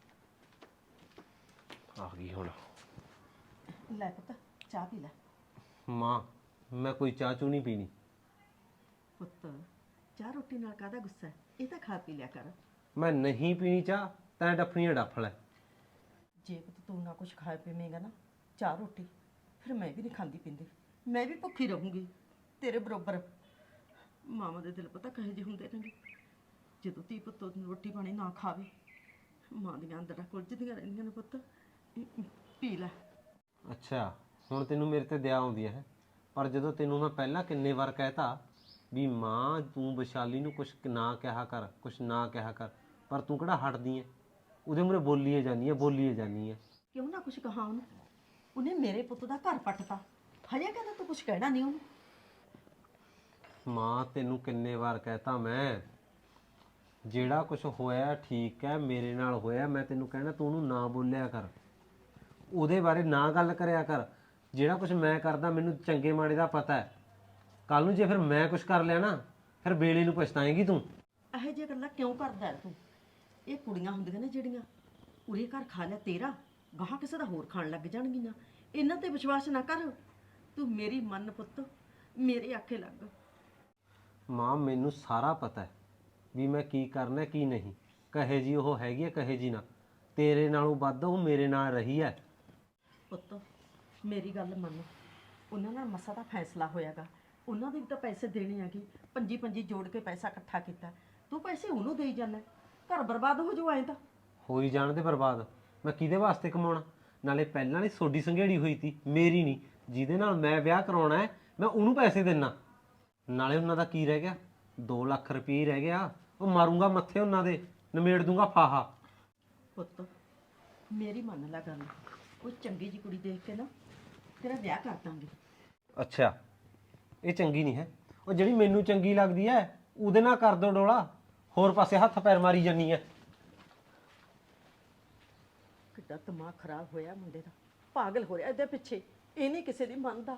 ਆ ਗਈ ਹੁਣ? ਲੈ ਪੁੱਤ ਚਾਹ ਪੀ ਲੈ। ਮਾਂ ਮੈਂ ਕੋਈ ਚਾਹ ਚੂ ਨਹੀਂ ਪੀਣੀ। ਪੁੱਤ ਚਾਹ ਰੋਟੀ ਨਾਲ ਕਾਹਦਾ ਗੁੱਸਾ ਹੈ? ਇਹ ਤਾਂ ਖਾ ਪੀ ਲਿਆ ਕਰ। ਮੈਂ ਨਹੀਂ ਪੀਣੀ ਚਾਹ, ਤੈਂ ਡੱਫਣੀਆਂ ਡੱਫ ਲੈ। ਜੇ ਪੁੱਤ ਤੂੰ ਨਾ ਕੁਝ ਖਾ ਪੀਵੇਂਗਾ ਨਾ ਚਾਹ ਰੋਟੀ, ਫਿਰ ਮੈਂ ਵੀ ਨਹੀਂ ਖਾਂਦੀ ਪੀਂਦੀ, ਮੈਂ ਵੀ ਭੁੱਖੀ ਰਹੂੰਗੀ ਤੇਰੇ ਬਰੋਬਰ। ਮਾਵਾਂ ਦੇ ਦਿਲ ਪਤਾ ਕਹੇ ਜਿਹੇ ਹੁੰਦੇ ਨੇ, ਜਦੋਂ ਧੀ ਪੁੱਤ ਨੂੰ ਰੋਟੀ ਪਾਣੀ ਨਾ ਖਾਵੇ, ਮਾਂ ਦੀਆਂ ਅੰਦਰਾਂ ਕੁਲਝਦੀਆਂ ਰਹਿੰਦੀਆਂ ਨੇ। ਪੁੱਤ ਪੀ ਲੈ। ਅੱਛਾ ਹੁਣ ਤੈਨੂੰ ਮੇਰੇ ਤੇ ਦਇਆ ਆਉਂਦੀ ਹੈ, ਪਰ ਜਦੋਂ ਤੈਨੂੰ ਮੈਂ ਪਹਿਲਾਂ ਕਿੰਨੇ ਵਾਰ ਕਹਿਤਾ ਵੀ ਮਾਂ ਤੂੰ ਵਿਸ਼ਾਲੀ ਨੂੰ ਕੁਛ ਨਾ ਕਿਹਾ ਕਰ, ਕੁਛ ਨਾ ਕਿਹਾ ਕਰ, ਪਰ ਤੂੰ ਕਿਹੜਾ ਹਟਦੀ ਹੈ? ਉਹਦੇ ਮੂਹਰੇ ਬੋਲੀਏ ਜਾਂਦੀ ਹੈ, ਬੋਲੀਏ ਜਾਂਦੀ ਹੈ। ਕਿਉਂ ਨਾ ਕੁਝ ਕਹਾ ਉਹਨੂੰ? ਉਹਨੇ ਮੇਰੇ ਪੁੱਤ ਦਾ ਘਰ ਪੱਟਤਾ, ਹਜੇ ਕਹਿੰਦਾ ਤੂੰ ਕੁਝ ਕਹਿਣਾ ਨਹੀਂ ਉਹਨੂੰ। ਮਾਂ ਤੈਨੂੰ ਕਿੰਨੇ ਵਾਰ ਕਹਿਤਾ ਮੈਂ, ਜਿਹੜਾ ਕੁਝ ਹੋਇਆ ਠੀਕ ਹੈ, ਮੇਰੇ ਨਾਲ ਹੋਇਆ, ਮੈਂ ਤੈਨੂੰ ਕਹਿਣਾ ਤੂੰ ਉਹਨੂੰ ਨਾ ਬੋਲਿਆ ਕਰ, ਉਹਦੇ ਬਾਰੇ ਨਾ ਗੱਲ ਕਰਿਆ ਕਰ। ਜਿਹੜਾ ਕੁਝ ਮੈਂ ਕਰਦਾ ਮੈਨੂੰ ਚੰਗੇ ਮਾੜੇ ਦਾ ਪਤਾ ਹੈ। ਕੱਲ ਨੂੰ ਜੇ ਫਿਰ ਮੈਂ ਕੁਝ ਕਰ ਲਿਆ ਨਾ, ਫਿਰ ਵੇਲੇ ਨੂੰ ਪਛਤਾਏਂਗੀ ਤੂੰ। ਇਹੋ ਜਿਹੀਆਂ ਗੱਲਾਂ ਕਿਉਂ ਕਰਦਾ ਹੈ ਤੂੰ? ਇਹ ਕੁੜੀਆਂ ਹੁੰਦੀਆਂ ਨੇ ਜਿਹੜੀਆਂ ਉਰੇ ਘਰ ਖਾ ਲਿਆ ਤੇਰਾ, ਗਾਹਾਂ ਕਿਸੇ ਦਾ ਹੋਰ ਖਾਣ ਲੱਗ ਜਾਣਗੀਆਂ। ਇਹਨਾਂ ਤੇ ਵਿਸ਼ਵਾਸ ਨਾ ਕਰ, ਤੂੰ ਮੇਰੀ ਮੰਨ ਪੁੱਤ, ਮੇਰੇ ਆਖੇ ਲੱਗ। ਮਾਂ ਮੈਨੂੰ ਸਾਰਾ ਪਤਾ ਹੈ ਵੀ ਮੈਂ ਕੀ ਕਰਨਾ ਕੀ ਨਹੀਂ, ਕਹੇ ਜੀ ਉਹ ਹੈਗੀ ਹੈ, ਕਹੇ ਜੀ ਨਾ। ਤੇਰੇ ਨਾਲੋਂ ਵੱਧ ਉਹ ਮੇਰੇ ਨਾਲ ਰਹੀ ਹੈ। ਪੁੱਤ ਮੇਰੀ ਗੱਲ ਮੰਨ, ਉਹਨਾਂ ਨਾਲ ਮਸਾ ਦਾ ਫੈਸਲਾ ਹੋਇਆਗਾ, ਉਹਨਾਂ ਦੇ ਵੀ ਤਾਂ ਪੈਸੇ ਦੇਣੇ ਆਗੇ। ਪੰਜੀ ਪੰਜੀ ਜੋੜ ਕੇ ਪੈਸਾ ਇਕੱਠਾ ਕੀਤਾ, ਤੂੰ ਪੈਸੇ ਉਹਨੂੰ ਦੇਈ ਜਾਂਦਾ, ਘਰ ਬਰਬਾਦ ਹੋ ਜਾਊ। ਐਂ ਤਾਂ ਹੋਈ ਜਾਣ ਦੇ ਬਰਬਾਦ, ਮੈਂ ਕਿਹਦੇ ਵਾਸਤੇ ਕਮਾਉਣਾ? ਨਾਲੇ ਪਹਿਲਾਂ ਨਹੀਂ ਸੋਡੀ ਸੰਘੇੜੀ ਹੋਈ ਤੀ, ਮੇਰੀ ਨਹੀਂ। ਜਿਹਦੇ ਨਾਲ ਮੈਂ ਵਿਆਹ ਕਰਾਉਣਾ ਹੈ ਮੈਂ ਉਹਨੂੰ ਪੈਸੇ ਦੇਣਾ। ਨਾਲੇ ਉਹਨਾਂ ਦਾ ਕੀ ਰਹਿ ਗਿਆ? ਦੋ ਲੱਖ ਰੁਪਏ ਰਹਿ ਗਿਆ, ਉਹ ਮਾਰੂੰਗਾ ਮੱਥੇ ਉਹਨਾਂ ਦੇ, ਨਿਮੇੜ ਦੂੰਗਾ ਫਾਹਾ। ਪੁੱਤ ਮੇਰੀ ਮੰਨ ਲੈ ਗੱਲ, ਉਹ ਚੰਗੀ ਜੀ ਕੁੜੀ ਦੇਖ ਕੇ ਨਾ ਤੇਰਾ ਵਿਆਹ ਕਰ ਦਾਂਗੇ। ਅੱਛਾ ਇਹ ਚੰਗੀ ਨਹੀਂ ਹੈ? ਉਹ ਜਿਹੜੀ ਮੈਨੂੰ ਚੰਗੀ ਲੱਗਦੀ ਹੈ ਉਹਦੇ ਨਾਲ ਕਰ ਦੋ ਡੋਲਾ, ਹੋਰ ਪਾਸੇ ਹੱਥ ਪੈਰ ਮਾਰੀ ਜਾਨੀ ਹੈ। ਕਿੱਡਾ ਦਿਮਾਗ ਖਰਾਬ ਹੋਇਆ ਮੁੰਡੇ ਦਾ, ਪਾਗਲ ਹੋ ਰਿਹਾ ਇਹਦੇ ਪਿੱਛੇ, ਇਹ ਨਹੀਂ ਕਿਸੇ ਦੀ ਮੰਨਦਾ।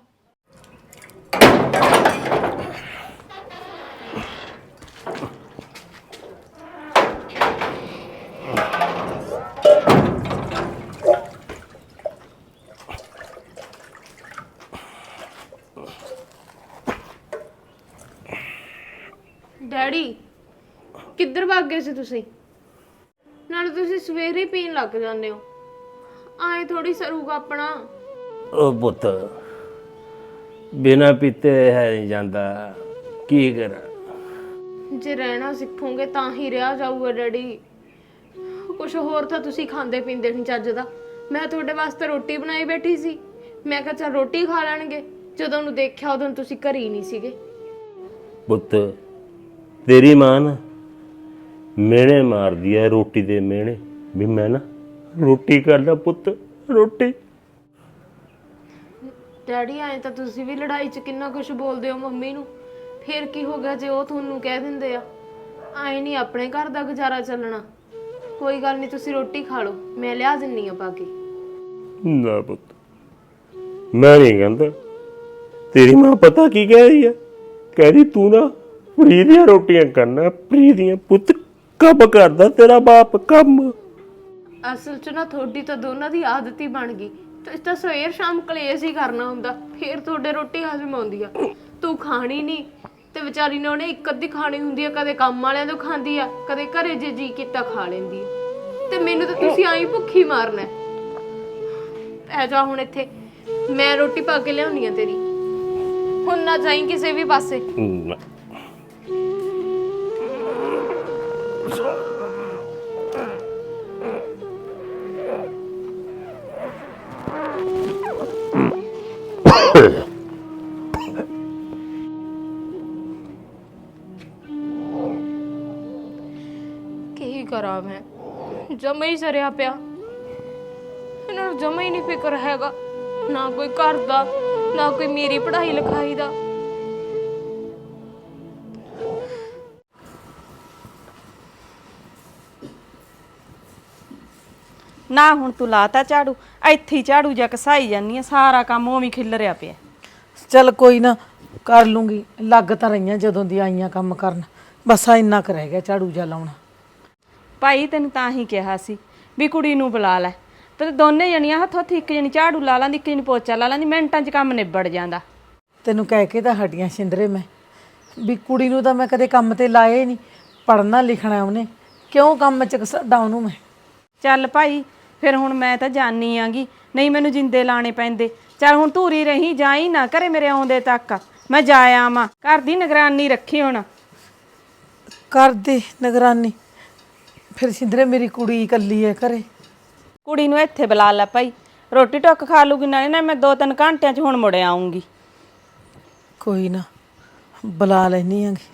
ਡੈਡੀ ਕਿੱਧਰ ਭੱਗ ਗਏ ਸੀ ਤੁਸੀਂ? ਨਾਲੇ ਤੁਸੀਂ ਸਵੇਰੇ ਹੀ ਪੀਣ ਲੱਗ ਜਾਂਦੇ ਹੋ, ਆਏ ਥੋੜੀ ਸਰੂਗਾ ਆਪਣਾ। ਉਹ ਪੁੱਤ ਬਿਨਾਂ ਪੀਤੇ ਹੈ ਨਹੀਂ ਜਾਂਦਾ, ਕੀ ਕਰਾਂ। ਜੇ ਰਹਿਣਾ ਸਿੱਖੋਗੇ ਤਾਂ ਹੀ ਰਿਹਾ ਜਾਊਗਾ ਡੈਡੀ। ਕੁਝ ਹੋਰ ਤਾਂ ਤੁਸੀਂ ਖਾਂਦੇ ਪੀਂਦੇ ਨਹੀਂ ਚੱਜ ਦਾ। ਮੈਂ ਤੁਹਾਡੇ ਵਾਸਤੇ ਰੋਟੀ ਬਣਾਈ ਬੈਠੀ ਸੀ, ਮੈਂ ਕਿਹਾ ਚੱਲ ਰੋਟੀ ਖਾ ਲੈਣਗੇ। ਜਦੋਂ ਨੂੰ ਦੇਖਿਆ ਉਦੋਂ ਤੁਸੀਂ ਘਰ ਹੀ ਨਹੀਂ ਸੀਗੇ। ਪੁੱਤ ਤੇਰੀ ਮਾਂ ਨਾ ਮਿਹਣੇ ਮਾਰਦੀ ਐ ਰੋਟੀ ਦੇ ਮਿਹਣੇ, ਵੀ ਮੈਂ ਨਾ ਰੋਟੀ ਕਰਦਾ ਪੁੱਤ ਰੋਟੀ। ਡੈਡੀ ਆਏ ਤਾਂ ਤੁਸੀਂ ਵੀ ਲੜਾਈ 'ਚ ਕਿੰਨਾ ਕੁਝ ਬੋਲਦੇ ਹੋ ਮੰਮੀ ਨੂੰ। ਫਿਰ ਕੀ ਹੋ ਗਿਆ ਜੇ ਉਹ ਤੁਹਾਨੂੰ ਕਹਿ ਦਿੰਦੇ ਆ? ਆਏ ਨਹੀਂ ਆਪਣੇ ਘਰ ਦਾ ਗੁਜ਼ਾਰਾ ਚੱਲਣਾ। ਕੋਈ ਗੱਲ ਨਹੀਂ, ਤੁਸੀਂ ਰੋਟੀ ਖਾ ਲਓ, ਮੈਂ ਲਿਆ ਦਿੰਨੀ ਆ ਪਾ ਕੇ। ਨਾ ਪੁੱਤ ਮੈਂ ਨਹੀਂ ਕਹਿੰਦਾ। ਤੇਰੀ ਮਾਂ ਪਤਾ ਕੀ ਕਹਿ ਰਹੀ ਆ? ਕਹਿ ਰਹੀ ਤੂੰ ਨਾ ਫਰੀ ਦੀਆਂ ਰੋਟੀਆਂ ਕਰਨਾ, ਫਰੀ ਦੀਆਂ। ਪੁੱਤ ਕੰਮ ਕਰਦਾ ਤੇਰਾ ਬਾਪ ਕੰਮ। ਅਸਲ 'ਚ ਨਾ ਤੁਹਾਡੀ ਤਾਂ ਦੋਨਾਂ ਦੀ ਆਦਤ ਹੀ ਬਣ ਗਈ। ਤੁਸੀਂ ਤਾਂ ਸਵੇਰ ਸ਼ਾਮ ਕਲੇਸ਼ ਹੀ ਕਰਨਾ ਹੁੰਦਾ, ਫਿਰ ਤੁਹਾਡੇ ਰੋਟੀ ਹਜ਼ਮ ਆਉਂਦੀ ਆ। ਤੂੰ ਖਾਣੀ ਨਹੀਂ ਤੇ ਵਿਚਾਰੀ ਨੇ ਉਹਨੇ ਇੱਕ ਅੱਧੀ ਖਾਣੀ ਹੁੰਦੀ ਆ, ਕਦੇ ਕੰਮ ਵਾਲਿਆਂ ਤੋਂ ਖਾਂਦੀ ਆ, ਕਦੇ ਘਰੇ ਜੇ ਜੀ ਕੀਤਾ ਖਾ ਲੈਂਦੀ ਆ। ਤੇ ਮੈਨੂੰ ਤਾਂ ਤੁਸੀਂ ਆਈ ਭੁੱਖੀ ਮਾਰਨਾ। ਪੈ ਜਾ ਹੁਣ ਇੱਥੇ, ਮੈਂ ਰੋਟੀ ਪਾ ਕੇ ਲਿਆਉਣੀ ਆ ਤੇਰੀ। ਹੁਣ ਨਾ ਜਾਈਂ ਕਿਸੇ ਵੀ ਪਾਸੇ। ਨਾ। ਕੀ ਕਰਾਂ ਮੈਂ, ਜਮਾ ਹੀ ਸਰਿਆ ਪਿਆ। ਇਹਨਾਂ ਨੂੰ ਜਮਾ ਹੀ ਨਹੀਂ ਫਿਕਰ ਹੈਗਾ, ਨਾ ਕੋਈ ਘਰ ਦਾ, ਨਾ ਕੋਈ ਮੇਰੀ ਪੜ੍ਹਾਈ ਲਿਖਾਈ ਦਾ। ਨਾ ਹੁਣ ਤੂੰ ਲਾਤਾ ਝਾੜੂ, ਇੱਥੇ ਹੀ ਝਾੜੂ ਜਾ ਘਸਾਈ ਜਾਨੀ ਆ, ਸਾਰਾ ਕੰਮ ਉਵੇਂ ਖਿਲਰਿਆ ਪਿਆ। ਚੱਲ ਕੋਈ ਨਾ, ਕਰ ਲੂੰਗੀ। ਲੱਗ ਤਾਂ ਰਹੀਆਂ ਜਦੋਂ ਦੀ ਆਈਆਂ ਕੰਮ ਕਰਨ, ਬਸ ਆ ਇੰਨਾ ਕੁ ਰਹਿ ਗਿਆ ਝਾੜੂ ਜਾ ਲਾਉਣਾ। ਭਾਈ ਤੈਨੂੰ ਤਾਂ ਹੀ ਕਿਹਾ ਸੀ ਵੀ ਕੁੜੀ ਨੂੰ ਬੁਲਾ ਲੈ, ਤੇ ਦੋਨੇ ਜਣੀਆਂ ਹੱਥੋਂ ਹੱਥ ਇੱਕ ਜਣੀ ਝਾੜੂ ਲਾ ਲਾਂਦੀ, ਇੱਕ ਜਣੀ ਪੋਚਾ ਲਾ ਲਾਂਦੀ, ਮਿੰਟਾਂ 'ਚ ਕੰਮ ਨਿਬੜ ਜਾਂਦਾ। ਤੈਨੂੰ ਕਹਿ ਕੇ ਤਾਂ ਹਟੀਆਂ ਸਿੰਦਰੇ ਮੈਂ, ਵੀ ਕੁੜੀ ਨੂੰ ਤਾਂ ਮੈਂ ਕਦੇ ਕੰਮ ਤੇ ਲਾਏ ਨਹੀਂ। ਪੜ੍ਹਨਾ ਲਿਖਣਾ ਉਹਨੇ, ਕਿਉਂ ਕੰਮ 'ਚ ਘਸਾਡਾ ਉਹਨੂੰ ਮੈਂ। ਚੱਲ ਭਾਈ ਫਿਰ ਹੁਣ ਮੈਂ ਤਾਂ ਜਾਣੀ ਆਂਗੀ, ਨਹੀਂ ਮੈਨੂੰ ਜਿੰਦੇ ਲਾਣੇ ਪੈਂਦੇ। ਚੱਲ ਹੁਣ ਧੂਰੀ ਰਹੀ, ਜਾਈ ਨਾ ਘਰੇ ਮੇਰੇ ਆਉਂਦੇ ਤੱਕ, ਮੈਂ ਜਾ ਆਵਾਂ। ਘਰ ਦੀ ਨਿਗਰਾਨੀ ਰੱਖੀ ਹੁਣ। ਕਰਦੀ ਨਿਗਰਾਨੀ ਫਿਰ ਸਿੰਦਰੇ, ਮੇਰੀ ਕੁੜੀ ਇਕੱਲੀ ਹੈ ਘਰੇ। ਕੁੜੀ ਨੂੰ ਇੱਥੇ ਬੁਲਾ ਲੈ ਭਾਈ, ਰੋਟੀ ਟੁੱਕ ਖਾ ਲੂਗੀ, ਨਾਲੇ ਨਾ ਮੈਂ ਦੋ ਤਿੰਨ ਘੰਟਿਆਂ 'ਚ ਹੁਣ ਮੁੜ ਆਉਂਗੀ। ਕੋਈ ਨਾ ਬੁਲਾ ਲੈਣੀ ਆਂਗੀ।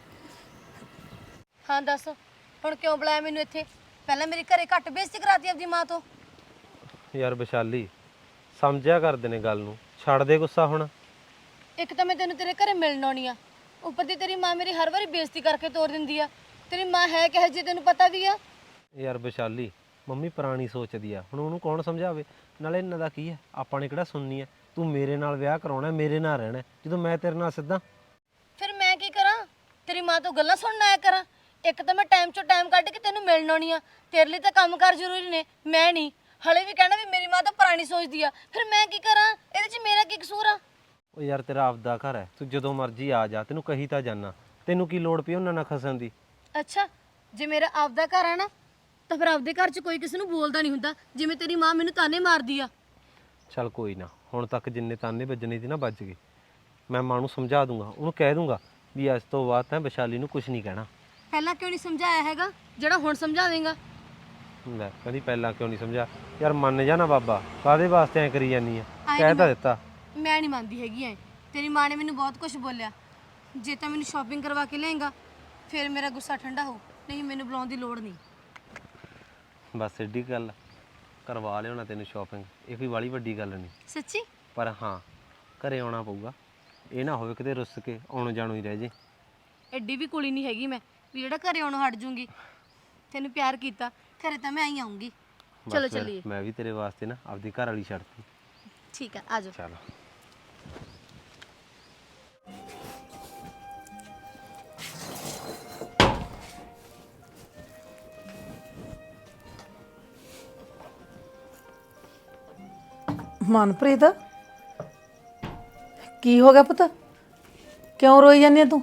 ਹਾਂ ਦੱਸ, ਹੁਣ ਕਿਉਂ ਬੁਲਾਇਆ ਮੈਨੂੰ ਇੱਥੇ? ਪਹਿਲਾਂ ਮੇਰੀ ਘਰੇ ਘੱਟ ਬੇਇੱਜ਼ਤੀ ਕਰਾਤੀ ਆਪਦੀ ਮਾਂ ਤੋਂ। ਯਾਰ ਵਿਸ਼ਾਲੀ ਸਮਝਿਆ ਕਰਦੇ ਨੇ ਗੱਲ ਨੂੰ, ਛੱਡ ਦੇ ਗੁੱਸਾ ਹੁਣ। ਇੱਕ ਤਾਂ ਮੈਂ ਤੈਨੂੰ ਤੇਰੇ ਘਰੇ ਮਿਲਣ ਆਉਣੀ ਆ, ਉੱਪਰ ਦੀ ਤੇਰੀ ਮਾਂ ਮੇਰੀ ਹਰ ਵਾਰੀ ਬੇਇੱਜ਼ਤੀ ਕਰਕੇ ਤੋਰ ਦਿੰਦੀ ਆ। ਤੇਰੀ ਮਾਂ ਹੈ ਕਿਹੋ ਜਿਹੀ ਤੈਨੂੰ ਪਤਾ ਵੀ ਆ। ਯਾਰ ਵਿਸ਼ਾਲੀ ਮੰਮੀ ਪੁਰਾਣੀ ਸੋਚਦੀ ਆ, ਹੁਣ ਉਹਨੂੰ ਕੌਣ ਸਮਝਾਵੇ? ਨਾਲੇ ਇਹਨਾਂ ਦਾ ਕੀ ਹੈ, ਆਪਾਂ ਨੇ ਕਿਹੜਾ ਸੁਣਨੀ ਹੈ? ਤੂੰ ਮੇਰੇ ਨਾਲ ਵਿਆਹ ਕਰਾਉਣਾ, ਮੇਰੇ ਨਾਲ ਰਹਿਣਾ, ਜਦੋਂ ਮੈਂ ਤੇਰੇ ਨਾਲ ਸਿੱਧਾ। ਫਿਰ ਮੈਂ ਕੀ ਕਰਾਂ? ਤੇਰੀ ਮਾਂ ਤੋਂ ਗੱਲਾਂ ਸੁਣਨ ਆਇਆ ਕਰਾਂ? ਇੱਕ ਤਾਂ ਮੈਂ ਟਾਈਮ ਚੋਂ ਟਾਈਮ ਕੱਢ ਕੇ ਤੈਨੂੰ ਮਿਲਣ ਆਉਣੀ ਆ, ਤੇਰੇ ਲਈ ਤਾਂ ਕੰਮਕਾਰ ਜ਼ਰੂਰੀ ਨੇ, ਮੈਂ ਨਹੀਂ। ਹਲੇ ਵੀ ਕਹਿਣਾ ਵੀ ਮੇਰੀ ਮਾਂ ਤਾਂ ਪੁਰਾਣੀ ਸੋਚਦੀ ਆ, ਫਿਰ ਮੈਂ ਕੀ ਕਰਾਂ? ਇਹਦੇ 'ਚ ਮੇਰਾ ਕੀ ਕਸੂਰ ਆ? ਉਹ ਯਾਰ ਤੇਰਾ ਆਪਦਾ ਘਰ ਹੈ, ਤੂੰ ਜਦੋਂ ਮਰਜ਼ੀ ਆ ਜਾ, ਤੈਨੂੰ ਕਹੀ ਤਾਂ ਜਾਨਾ। ਤੈਨੂੰ ਕੀ ਲੋੜ ਪਈ ਉਹਨਾਂ ਨਾਲ ਖਸਣ ਦੀ? ਅੱਛਾ, ਜੇ ਮੇਰਾ ਆਪਦਾ ਘਰ ਹੈ ਨਾ, ਤਾਂ ਫਿਰ ਆਪਦੇ ਘਰ 'ਚ ਕੋਈ ਕਿਸੇ ਨੂੰ ਬੋਲਦਾ ਨਹੀਂ ਹੁੰਦਾ, ਜਿਵੇਂ ਤੇਰੀ ਮਾਂ ਮੈਨੂੰ ਤਾਨੇ ਮਾਰਦੀ ਆ। ਚੱਲ ਕੋਈ ਨਾ, ਹੁਣ ਤੱਕ ਜਿੰਨੇ ਤਾਨੇ ਵੱਜਣੇ ਸੀ ਨਾ ਵੱਜ ਗਏ। ਮੈਂ ਮਾਂ ਨੂੰ ਸਮਝਾ ਦੂੰਗਾ, ਉਹਨੂੰ ਕਹਿ ਦੂੰਗਾ ਵੀ ਅੱਜ ਤੋਂ ਬਾਅਦ ਤਾਂ ਵਿਸ਼ਾਲੀ ਨੂੰ ਕੁਝ ਨਹੀਂ ਕਹਿਣਾ। ਪਹਿਲਾਂ ਕਿਉਂ ਨਹੀਂ ਸਮਝਾਇਆ ਹੈਗਾ ਜਿਹੜਾ ਹੁਣ ਸਮਝਾ ਦੇਂਗਾ? ਲੈ ਕਹਿੰਦੀ ਪਹਿਲਾਂ ਕਿਉਂ ਨਹੀਂ ਸਮਝਾ? ਯਾਰ ਮੰਨ ਜਾ ਨਾ ਬਾਬਾ, ਕਾਹਦੇ ਵਾਸਤੇ ਐ ਕਰੀ ਜਾਨੀ ਆ? ਕਹਿ ਤਾਂ ਦਿੱਤਾ। ਮੈਂ ਨਹੀਂ ਮੰਨਦੀ ਹੈਗੀ ਐ। ਤੇਰੀ ਮਾਂ ਨੇ ਮੈਨੂੰ ਬਹੁਤ ਕੁਝ ਬੋਲਿਆ। ਜੇ ਤਾਂ ਮੈਨੂੰ ਸ਼ਾਪਿੰਗ ਕਰਵਾ ਕੇ ਲਿਆਏਗਾ ਫਿਰ ਮੇਰਾ ਗੁੱਸਾ ਠੰਡਾ ਹੋ, ਨਹੀਂ ਮੈਨੂੰ ਬੁਲਾਉਣ ਦੀ ਲੋੜ ਨਹੀਂ। ਬਸ ਏਡੀ ਗੱਲ, ਕਰਵਾ ਲਿਆਉਣਾ ਤੈਨੂੰ ਸ਼ਾਪਿੰਗ, ਇਹ ਕੋਈ ਵਾਲੀ ਵੱਡੀ ਗੱਲ ਨਹੀਂ। ਸੱਚੀ? ਪਰ ਹਾਂ ਘਰੇ ਆਉਣਾ ਪਊਗਾ, ਇਹ ਨਾ ਹੋਵੇ ਕਿਤੇ ਰੁੱਸ ਕੇ ਆਉਣ ਜਾਣੂ ਹੀ ਰਹਿ ਜੇ। ਐਡੀ ਵੀ ਕੁੜੀ ਨਹੀਂ ਹੈਗੀ ਮੈਂ ਵੀ ਜਿਹੜਾ ਘਰੇ ਆਉਣੋਂ ਹਟ ਜੂੰਗੀ। ਤੈਨੂੰ ਪਿਆਰ ਕੀਤਾ, ਘਰੇ ਤਾਂ ਮੈਂ ਆਈ ਆਉਂਗੀ। ਚਲੋ ਬਸ ਫਿਰ ਚੱਲੀਏ। ਮੈਂ ਵੀ ਤੇਰੇ ਵਾਸਤੇ ਨਾ ਆਪਦੀ ਘਰ ਵਾਲੀ ਛੱਡਤੀ। ਠੀਕ ਆ, ਆ ਜਾਓ। ਚਲ ਮਨਪ੍ਰੀਤ ਕੀ ਹੋ ਗਿਆ ਪੁੱਤ, ਕਿਉਂ ਰੋਈ ਜਾਂਦੀ ਆ ਤੂੰ?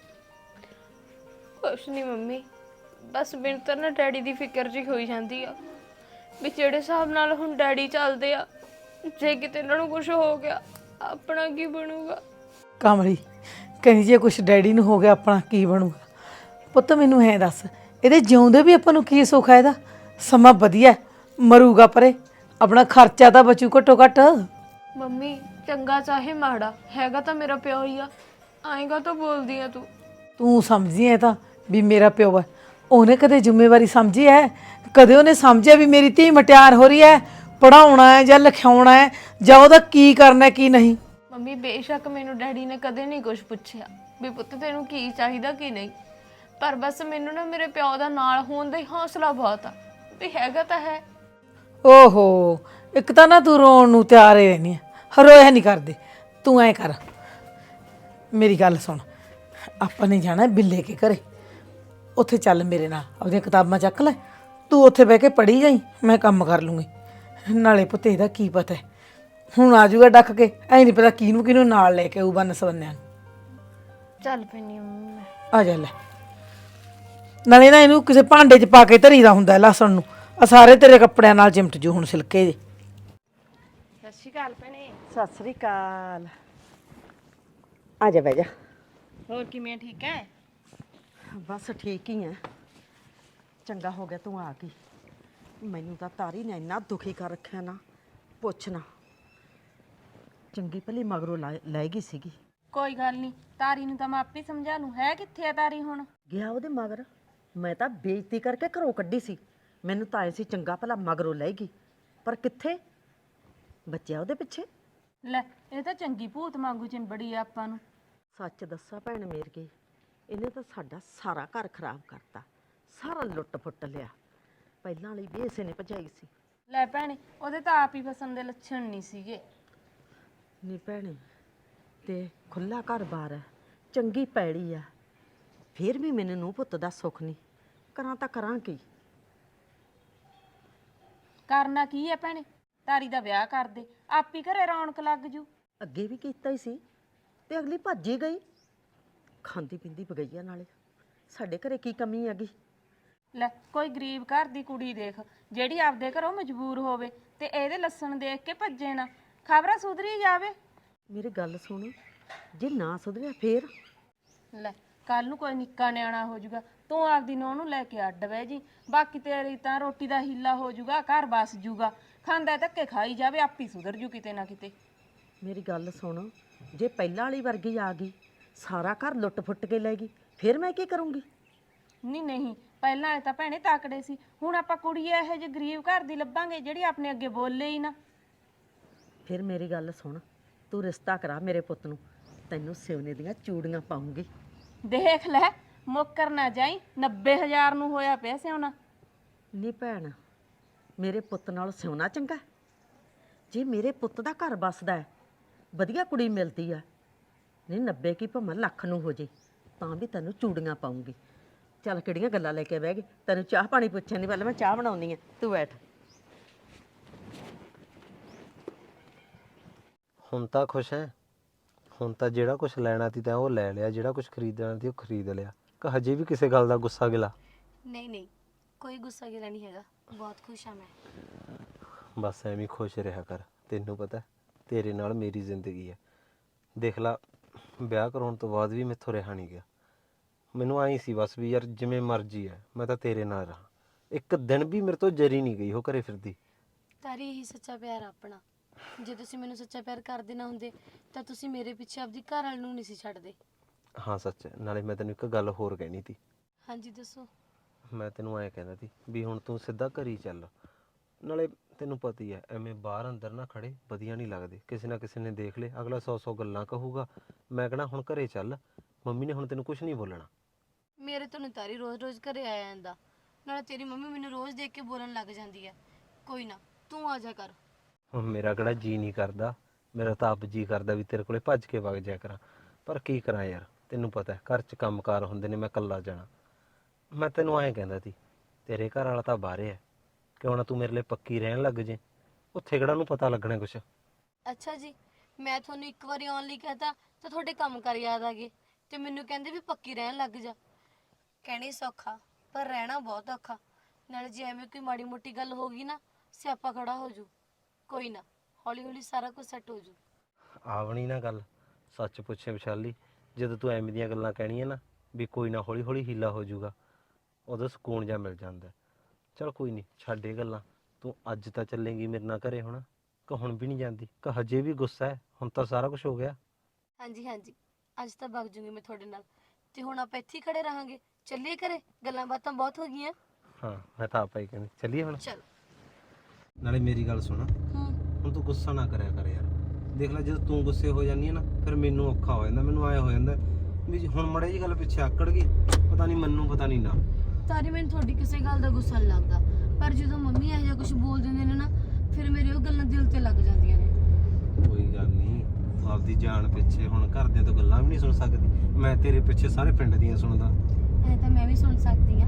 ਕੁਛ ਨਹੀਂ ਮੰਮੀ, ਬਸ ਮੈਨੂੰ ਤਾਂ ਨਾ ਡੈਡੀ ਦੀ ਫਿਕਰ ਜੀ ਹੋਈ ਜਾਂਦੀ ਆ ਵੀ ਜਿਹੜੇ ਹਿਸਾਬ ਨਾਲ ਹੁਣ ਡੈਡੀ ਚੱਲਦੇ ਆ, ਜੇ ਕਿਤੇ ਇਹਨਾਂ ਨੂੰ ਕੁਝ ਹੋ ਗਿਆ ਆਪਣਾ ਕੀ ਬਣੂਗਾ। ਕਮਲੀ ਕਹਿੰਦੀ ਜੇ ਕੁਛ ਡੈਡੀ ਨੂੰ ਹੋ ਗਿਆ ਆਪਣਾ ਕੀ ਬਣੂਗਾ। ਪੁੱਤ ਮੈਨੂੰ ਹੈ ਦੱਸ, ਇਹਦੇ ਜਿਉਂਦੇ ਵੀ ਆਪਾਂ ਨੂੰ ਕੀ ਸੁੱਖ ਹੈ ਇਹਦਾ? ਸਮਾਂ ਵਧੀਆ ਮਰੂਗਾ ਪਰੇ, ਆਪਣਾ ਖਰਚਾ ਤਾਂ ਬਚੂ ਘੱਟੋ ਘੱਟ। ਮੰਮੀ ਚੰਗਾ ਚਾਹੇ ਮਾੜਾ ਹੈਗਾ ਤਾਂ ਮੇਰਾ ਪਿਓ ਹੀ ਆ, ਆਏਗਾ ਤਾਂ ਬੋਲਦੀ ਆ ਤੂੰ। ਤੂੰ ਸਮਝੀ ਐ ਤਾਂ ਵੀ ਮੇਰਾ ਪਿਓ ਹੈ, ਉਹਨੇ ਕਦੇ ਜ਼ਿੰਮੇਵਾਰੀ ਸਮਝੀ ਹੈ? ਕਦੇ ਉਹਨੇ ਸਮਝਿਆ ਵੀ ਮੇਰੀ ਧੀ ਮਟਿਆਰ ਹੋ ਰਹੀ ਹੈ, ਪੜਾਉਣਾ ਹੈ ਜਾਂ ਲਿਖਾਉਣਾ ਹੈ ਜਾਂ ਉਹਦਾ ਕੀ ਕਰਨਾ ਕੀ ਨਹੀਂ? ਮੰਮੀ ਬੇਸ਼ੱਕ ਮੈਨੂੰ ਡੈਡੀ ਨੇ ਕਦੇ ਨਹੀਂ ਕੁਝ ਪੁੱਛਿਆ ਵੀ ਪੁੱਤ ਤੈਨੂੰ ਕੀ ਚਾਹੀਦਾ ਕੀ ਨਹੀਂ, ਪਰ ਬਸ ਮੈਨੂੰ ਨਾ ਮੇਰੇ ਪਿਓ ਦਾ ਨਾਲ ਹੋਣ ਦਾ ਹੀ ਹੌਸਲਾ ਬਹੁਤ ਆ ਵੀ ਹੈਗਾ ਤਾਂ ਹੈ। ਓਹੋ, ਇੱਕ ਤਾਂ ਨਾ ਤੂੰ ਰੋਣ ਨੂੰ ਤਿਆਰ ਹੀ ਰਹਿੰਦੀ ਆ, ਰੋਇਆ ਨਹੀਂ ਕਰਦੇ। ਤੂੰ ਐ ਕਰ, ਮੇਰੀ ਗੱਲ ਸੁਣ, ਆਪਾਂ ਨੇ ਜਾਣਾ ਬਿੱਲੇ ਕੇ ਘਰੇ, ਉੱਥੇ ਚੱਲ ਮੇਰੇ ਨਾਲ, ਆਪਦੀਆਂ ਕਿਤਾਬਾਂ ਚੱਕ ਲੈ, ਤੂੰ ਉੱਥੇ ਬਹਿ ਕੇ ਪੜ੍ਹੀ ਜਾਈ, ਮੈਂ ਕੰਮ ਕਰ ਲੂੰਗੀ। ਨਾਲੇ ਪੁੱਤ ਇਹਦਾ ਕੀ ਪਤਾ ਹੈ, ਹੁਣ ਆ ਜਾਊਗਾ ਡੱਕ ਕੇ, ਐ ਨਹੀਂ ਪਤਾ ਕਿਹਨੂੰ ਕਿਹਨੂੰ ਨਾਲ ਲੈ ਕੇ ਆਊ ਬੰਨ ਸਵੰਨਿਆਂ ਨੂੰ। ਚੱਲ ਪੈਣੀ ਮੰਮੀ ਮੈਂ। ਆ ਜਾ ਲੈ, ਨਾਲੇ ਨਾ ਇਹਨੂੰ ਕਿਸੇ ਭਾਂਡੇ 'ਚ ਪਾ ਕੇ ਧਰੀਦਾ ਹੁੰਦਾ ਲਸਣ ਨੂੰ, ਆ ਸਾਰੇ ਤੇਰੇ ਕੱਪੜਿਆਂ ਨਾਲ ਚਿਮਟ ਜੂ ਹੁਣ ਸਿਲਕੇ ਜੇ। ਸਤਿ ਸ਼੍ਰੀ ਅਕਾਲ ਭੈਣੇ। ਸਤਿ ਸ੍ਰੀ ਅਕਾਲ। ਆ ਜਾ ਬਹਿ ਜਾ। ਹੋਰ ਕਿਵੇਂ ਠੀਕ ਹੈ? ਬਸ ਠੀਕ ਹੀ ਆ। ਚੰਗਾ ਹੋ ਗਿਆ ਤੂੰ ਆ ਗਈ, ਮੈਨੂੰ ਤਾਂ ਤਾਰੀ ਨੇ ਇੰਨਾ ਦੁਖੀ ਕਰ ਰੱਖਿਆ ਨਾ ਪੁੱਛ ਨਾ। ਚੰਗੀ ਭਲੀ ਮਗਰੋਂ ਲੈ ਗਈ ਸੀਗੀ। ਕੋਈ ਗੱਲ ਨਹੀਂ, ਤਾਰੀ ਨੂੰ ਤਾਂ ਮੈਂ ਆਪੇ ਸਮਝਾ ਲੂੰ। ਹੈ ਕਿੱਥੇ ਆ ਤਾਰੀ ਹੁਣ? ਗਿਆ ਉਹਦੇ ਮਗਰ, ਮੈਂ ਤਾਂ ਬੇਇੱਜ਼ਤੀ ਕਰਕੇ ਘਰੋਂ ਕੱਢੀ ਸੀ, ਮੈਨੂੰ ਤਾਂ ਐ ਸੀ ਚੰਗਾ ਭਲਾ ਮਗਰੋਂ ਲੈ ਗਈ, ਪਰ ਕਿੱਥੇ ਬੱਚਿਆ ਉਹਦੇ ਪਿੱਛੇ। ਲੈ ਇਹ ਤਾਂ ਚੰਗੀ ਭੂਤ ਵਾਂਗੂ ਚਿੰਬੜੀ ਆ ਆਪਾਂ ਨੂੰ। ਸੱਚ ਦੱਸਾਂ ਭੈਣ ਮੇਰ ਕੇ, ਇਹਨੇ ਤਾਂ ਸਾਡਾ ਸਾਰਾ ਘਰ ਖਰਾਬ ਕਰਤਾ, ਸਾਰਾ ਲੁੱਟ ਫੁੱਟ ਲਿਆ। ਪਹਿਲਾਂ ਵਾਲੀ ਵੀ ਇਸੇ ਨੇ ਭਜਾਈ ਸੀ। ਲੈ ਭੈਣੇ, ਉਹਦੇ ਤਾਂ ਆਪ ਹੀ ਫਸਣ ਦੇ ਲੱਛਣ ਨਹੀਂ ਸੀਗੇ। ਨੀ ਭੈਣੇ, ਤੇ ਖੁੱਲਾ ਘਰ-ਬਾਰ ਹੈ, ਚੰਗੀ ਪੈੜੀ ਆ, ਫਿਰ ਵੀ ਮੈਨੂੰ ਨੂੰ ਪੁੱਤ ਦਾ ਸੁੱਖ ਨਹੀਂ, ਕਰਾਂ ਤਾਂ ਕਰਾਂ ਕੀ? ਕਰਨਾ ਕੀ ਹੈ ਭੈਣੇ, ਤਾਰੀ ਦਾ ਵਿਆਹ ਕਰ ਦੇ, ਆਪ ਹੀ ਘਰੇ ਰੌਣਕ ਲੱਗ ਜੂ। ਅੱਗੇ ਵੀ ਕੀਤਾ ਹੀ ਸੀ ਤੇ ਅਗਲੀ ਭੱਜ ਹੀ ਗਈ, ਖਾਂਦੀ ਪੀਂਦੀ ਬਗਈਆ ਨਾਲੇ। ਸਾਡੇ ਘਰੇ ਕੀ ਕਮੀ ਹੈਗੀ? ਲੈ ਕੋਈ ਗਰੀਬ ਘਰ ਦੀ ਕੁੜੀ ਦੇਖ, ਜਿਹੜੀ ਆਪਦੇ ਘਰੋਂ ਮਜਬੂਰ ਹੋਵੇ ਤੇ ਇਹਦੇ ਲੱਛਣ ਦੇਖ ਕੇ ਭੱਜੇ ਨਾ, ਖਬਰਾਂ ਸੁਧਰੀ ਜਾਵੇ। ਮੇਰੀ ਗੱਲ ਸੁਣ, ਜੇ ਨਾ ਸੁਧਰਿਆ ਫੇਰ? ਲੈ ਕੱਲ ਨੂੰ ਕੋਈ ਨਿੱਕਾ ਨਿਆਣਾ ਹੋ ਜਾਊਗਾ, ਤੂੰ ਆਪਦੀ ਨੂੰਹ ਨੂੰ ਲੈ ਕੇ ਅੱਡ ਬਹਿ ਜੀ, ਬਾਕੀ ਤੇਰੀ ਤਾਂ ਰੋਟੀ ਦਾ ਹੀਲਾ ਹੋ ਜਾਊਗਾ, ਘਰ ਬਸ ਜੂਗਾ, ਖਾਂਦਾ ਧੱਕੇ ਖਾਈ ਜਾਵੇ, ਆਪੀ ਸੁਧਰ ਜੂ ਕਿਤੇ ਨਾ ਕਿਤੇ। ਮੇਰੀ ਗੱਲ ਸੁਣ, ਜੇ ਪਹਿਲਾਂ ਵਾਲੀ ਵਰਗੀ ਆ ਗਈ, ਸਾਰਾ ਘਰ ਲੁੱਟ ਫੁੱਟ ਕੇ ਲੈ ਗਈ, ਫਿਰ ਮੈਂ ਕੀ ਕਰੂੰਗੀ? ਨਹੀਂ ਨਹੀਂ, ਪਹਿਲਾਂ ਵਾਲੇ ਤਾਂ ਭੈਣੇ ਤਾਕੜੇ ਸੀ, ਹੁਣ ਆਪਾਂ ਕੁੜੀ ਇਹੋ ਜਿਹੇ ਗਰੀਬ ਘਰ ਦੀ ਲੱਭਾਂਗੇ ਜਿਹੜੀ ਆਪਣੇ ਅੱਗੇ ਬੋਲੇ ਹੀ ਨਾ। ਫਿਰ ਮੇਰੀ ਗੱਲ ਸੁਣ, ਤੂੰ ਰਿਸ਼ਤਾ ਕਰਾ ਮੇਰੇ ਪੁੱਤ ਨੂੰ, ਤੈਨੂੰ ਸਿਉਨੇ ਦੀਆਂ ਚੂੜੀਆਂ ਪਾਉਂਗੀ। ਦੇਖ ਲੈ, ਮੁੱਕਰ ਨਾ ਜਾਈ, ਨੱਬੇ ਹਜ਼ਾਰ ਨੂੰ ਹੋਇਆ ਪਿਆ ਸਿਉਣਾ। ਨੀ ਭੈਣ, ਮੇਰੇ ਪੁੱਤ ਨਾਲ ਸਿਉਣਾ ਚੰਗਾ? ਜੇ ਮੇਰੇ ਪੁੱਤ ਦਾ ਘਰ ਬਸਦਾ ਹੈ, ਵਧੀਆ ਕੁੜੀ ਮਿਲਦੀ ਆ, ਨਹੀਂ ਨੱਬੇ ਕੀ ਭਾਵੇਂ ਲੱਖ ਨੂੰ ਹੋ ਜੇ ਤਾਂ ਵੀ ਤੈਨੂੰ ਚੂੜੀਆਂ ਪਾਉਂਗੀ। ਚੱਲ ਕਿਹੜੀਆਂ ਗੱਲਾਂ ਲੈ ਕੇ ਬਹਿ ਗਈ, ਤੈਨੂੰ ਚਾਹ ਪਾਣੀ ਪੁੱਛਣ ਨਹੀਂ, ਪਹਿਲਾਂ ਮੈਂ ਚਾਹ ਬਣਾਉਣੀ ਆ, ਤੂੰ ਬੈਠ। ਹੁਣ ਤਾਂ ਖੁਸ਼ ਹੈ? ਹੁਣ ਤਾਂ ਜਿਹੜਾ ਕੁਝ ਲੈਣਾ ਸੀ ਤਾਂ ਉਹ ਲੈ ਲਿਆ, ਜਿਹੜਾ ਕੁਝ ਖਰੀਦਣਾ ਸੀ ਉਹ ਖਰੀਦ ਲਿਆ, ਕਿ ਹਜੇ ਵੀ ਕਿਸੇ ਗੱਲ ਦਾ ਗੁੱਸਾ ਗਿਲਾ? ਨਹੀਂ ਨਹੀਂ, ਕੋਈ ਗੁੱਸਾ ਗਿਲਾ ਨਹੀਂ ਹੈਗਾ, ਬਹੁਤ ਖੁਸ਼ ਹਾਂ ਮੈਂ। ਬਸ ਐਵੇਂ ਖੁਸ਼ ਰਿਹਾ ਕਰ, ਤੈਨੂੰ ਪਤਾ ਤੇਰੇ ਨਾਲ ਮੇਰੀ ਜ਼ਿੰਦਗੀ ਹੈ। ਦੇਖ ਲਾ, ਵਿਆਹ ਕਰਾਉਣ ਤੋਂ ਬਾਅਦ ਵੀ ਮੈਥੋਂ ਰਿਹਾ ਨਹੀਂ ਗਿਆ। ਮੈਨੂੰ ਆਈ ਸੀ ਬਸ ਵੀ ਯਾਰ ਜਿਵੇਂ ਮਰਜ਼ੀ ਹੈ, ਮੈਂ ਤਾਂ ਤੇਰੇ ਨਾਲ ਰਹਾਂ। ਇੱਕ ਦਿਨ ਵੀ ਮੇਰੇ ਤੋਂ ਜਰੀ ਨਹੀਂ ਗਈ ਉਹ ਘਰੇ ਫਿਰਦੀ। ਤਾਰੀ ਇਹੀ ਸੱਚਾ ਪਿਆਰ ਆਪਣਾ। ਜੇ ਤੁਸੀਂ ਮੈਨੂੰ ਸੱਚਾ ਪਿਆਰ ਕਰਦੇ ਨਾ ਹੁੰਦੇ ਤਾਂ ਤੁਸੀਂ ਮੇਰੇ ਪਿੱਛੇ ਆਪਦੀ ਘਰ ਵਾਲ ਨੂੰ ਨਹੀਂ ਸੀ ਛੱਡਦੇ। ਹਾਂ ਸੱਚ, ਨਾਲੇ ਮੈਂ ਤੈਨੂੰ ਇੱਕ ਗੱਲ ਹੋਰ ਕਹਿਣੀ ਸੀ। ਹਾਂਜੀ ਦੱਸੋ। ਮੈਂ ਤੈਨੂੰ ਐਂ ਕਹਿੰਦਾ ਸੀ ਵੀ ਹੁਣ ਤੂੰ ਸਿੱਧਾ ਘਰ ਹੀ ਚੱਲ, ਨਾਲੇ ਤੈਨੂੰ ਪਤਾ ਹੀ ਹੈ ਐਵੇਂ ਬਾਹਰ ਅੰਦਰ ਨਾ ਖੜੇ ਵਧੀਆ ਨਹੀਂ ਲੱਗਦੇ, ਕਿਸੇ ਨਾ ਕਿਸੇ ਨੇ ਦੇਖ ਲਏ ਅਗਲਾ ਸੌ ਸੌ ਗੱਲਾਂ ਕਹੂਗਾ। ਮੈਂ ਕਹਿਣਾ ਹੁਣ ਘਰੇ ਚੱਲ, ਮੰਮੀ ਨੇ ਹੁਣ ਤੈਨੂੰ ਕੁਝ ਨਹੀਂ ਬੋਲਣਾ। ਮੇਰੇ ਤੋਂ ਨਹੀਂ ਤਾਰੀ ਰੋਜ਼-ਰੋਜ਼ ਘਰੇ ਆਇਆ ਜਾਂਦਾ, ਨਾਲੇ ਤੇਰੀ ਮੰਮੀ ਮੈਨੂੰ ਰੋਜ਼ ਦੇਖ ਕੇ ਬੋਲਣ ਲੱਗ ਜਾਂਦੀ ਹੈ। ਕੋਈ ਨਾ, ਤੂੰ ਆ ਜਾ ਕਰ। ਹੁਣ ਮੇਰਾ ਕਿਹੜਾ ਜੀ ਨਹੀਂ ਕਰਦਾ, ਮੇਰਾ ਤਾਂ ਆਪ ਜੀ ਕਰਦਾ ਵੀ ਤੇਰੇ ਕੋਲੇ ਭੱਜ ਕੇ ਵਗ ਜਾਇਆ ਕਰਾਂ, ਪਰ ਕੀ ਕਰਾਂ ਯਾਰ, ਤੈਨੂੰ ਪਤਾ ਘਰ 'ਚ ਕੰਮਕਾਰ ਹੁੰਦੇ ਨੇ, ਮੈਂ ਇਕੱਲਾ ਜਾਣਾ। ਮੈਂ ਤੈਨੂੰ ਐਂ ਕਹਿੰਦਾ ਸੀ, ਤੇਰੇ ਘਰ ਵਾਲਾ ਤਾਂ ਬਾਹਰੇ ਹੈ, ਕਿਉਂ ਨਾ ਤੂੰ ਮੇਰੇ ਲਈ ਪੱਕੀ ਰਹਿਣ ਲੱਗ ਜੇ, ਉੱਥੇ ਕਿਹੜਾ ਨੂੰ ਪਤਾ ਲੱਗਣਾ ਕੁਛ। ਅੱਛਾ ਜੀ, ਮੈਂ ਤੁਹਾਨੂੰ ਇੱਕ ਵਾਰੀ ਆਉਣ ਲਈ ਕਹਤਾ ਤਾਂ ਤੁਹਾਡੇ ਕੰਮ ਕਰ ਯਾਦ ਆ ਗਏ ਤੇ ਮੈਨੂੰ ਕਹਿੰਦੇ ਵੀ ਪੱਕੀ ਰਹਿਣ ਲੱਗ ਜਾ। ਕਹਿਣੀ ਸੌਖਾ ਪਰ ਰਹਿਣਾ ਬਹੁਤ ਔਖਾ, ਨਾਲੇ ਜੇ ਐਵੇਂ ਕੋਈ ਮਾੜੀ ਮੋਟੀ ਗੱਲ ਹੋ ਗਈ ਨਾ, ਸਿਆਪਾ ਖੜਾ ਹੋ ਜੂ। ਕੋਈ ਨਾ, ਹੌਲੀ ਹੌਲੀ ਸਾਰਾ ਕੁਝ ਸੈੱਟ ਹੋ ਜੂ। ਆਵਣੀ ਨਾ ਗੱਲ, ਸੱਚ ਪੁੱਛੇ ਵਿਸ਼ਾਲੀ, ਜਦੋਂ ਤੂੰ ਐਵੇਂ ਦੀਆਂ ਗੱਲਾਂ ਕਹਿਣੀਆਂ ਨਾ ਵੀ ਕੋਈ ਨਾ ਹੌਲੀ ਹੌਲੀ ਹੀਲਾ ਹੋ ਜਾਊਗਾ, ਉਦੋਂ ਸਕੂਨ ਜਾ ਮਿਲ ਜਾਂਦਾ। ਚਲ ਕੋਈ ਨਹੀਂ, ਛੱਡ ਇਹ ਗੱਲਾਂ। ਤੂੰ ਅੱਜ ਤਾਂ ਚੱਲੇਂਗੀ ਮੇਰੇ ਨਾਲ ਘਰੇ ਹੁਣ, ਕਿ ਹੁਣ ਵੀ ਨਹੀਂ ਜਾਂਦੀ, ਕਿ ਹਜੇ ਵੀ ਗੁੱਸਾ ਹੈ? ਹੁਣ ਤਾਂ ਸਾਰਾ ਕੁਝ ਹੋ ਗਿਆ। ਹਾਂਜੀ ਹਾਂਜੀ, ਅੱਜ ਤਾਂ ਵਗ ਜੂਗੀ ਮੈਂ ਤੁਹਾਡੇ ਨਾਲ, ਤੇ ਹੁਣ ਆਪਾਂ ਇੱਥੇ ਹੀ ਖੜੇ ਰਹਾਂਗੇ। ਚੱਲੀਏ ਘਰੇ, ਗੱਲਾਂ ਬਾਤਾਂ ਬਹੁਤ ਹੋ ਗਈਆਂ। ਹਾਂ, ਮੈਂ ਤਾਂ ਆਪਾਂ ਹੀ ਕਹਿੰਦੀ ਚੱਲੀਏ ਹੁਣ। ਚਲ। ਨਾਲੇ ਮੇਰੀ ਗੱਲ ਸੁਣ, ਹੁਣ ਤੂੰ ਗੁੱਸਾ ਨਾ ਕਰਿਆ ਕਰ ਯਾਰ। ਦੇਖ ਲੈ, ਜਦੋਂ ਤੂੰ ਗੁੱਸੇ ਹੋ ਜਾਂਦੀ ਹੈ ਨਾ, ਫਿਰ ਮੈਨੂੰ ਔਖਾ ਹੋ ਜਾਂਦਾ। ਮੈਨੂੰ ਆਇਆ ਹੋ ਜਾਂਦਾ ਵੀ ਹੁਣ ਮੜੇ ਜੀ ਗੱਲ ਪਿੱਛੇ ਆਕੜ ਗਈ, ਪਤਾ ਨਹੀਂ ਮੈਨੂੰ ਪਤਾ ਨਹੀਂ ਨਾ। ਤਾਰੀ, ਮੈਨੂੰ ਤੁਹਾਡੀ ਕਿਸੇ ਗੱਲ ਦਾ ਗੁੱਸਾ ਨਹੀਂ ਲੱਗਦਾ, ਪਰ ਜਦੋਂ ਮੰਮੀ ਇਹੋ ਜਿਹਾ ਕੁਝ ਬੋਲ ਦਿੰਦੇ ਨੇ ਨਾ, ਫਿਰ ਮੇਰੇ ਉਹ ਗੱਲਾਂ ਦਿਲ ਤੇ ਲੱਗ ਜਾਂਦੀਆਂ ਨੇ। ਕੋਈ ਗੱਲ ਨਹੀਂ, ਆਪਦੀ ਜਾਨ ਪਿੱਛੇ ਹੁਣ ਘਰਦਿਆਂ ਤੋਂ ਗੱਲਾਂ ਵੀ ਨਹੀਂ ਸੁਣ ਸਕਦੀ। ਮੈਂ ਤੇਰੇ ਪਿੱਛੇ ਸਾਰੇ ਪਿੰਡ ਦੀਆਂ ਸੁਣਦਾ। ਐ ਤਾਂ ਮੈਂ ਵੀ ਸੁਣ ਸਕਦੀ ਆ।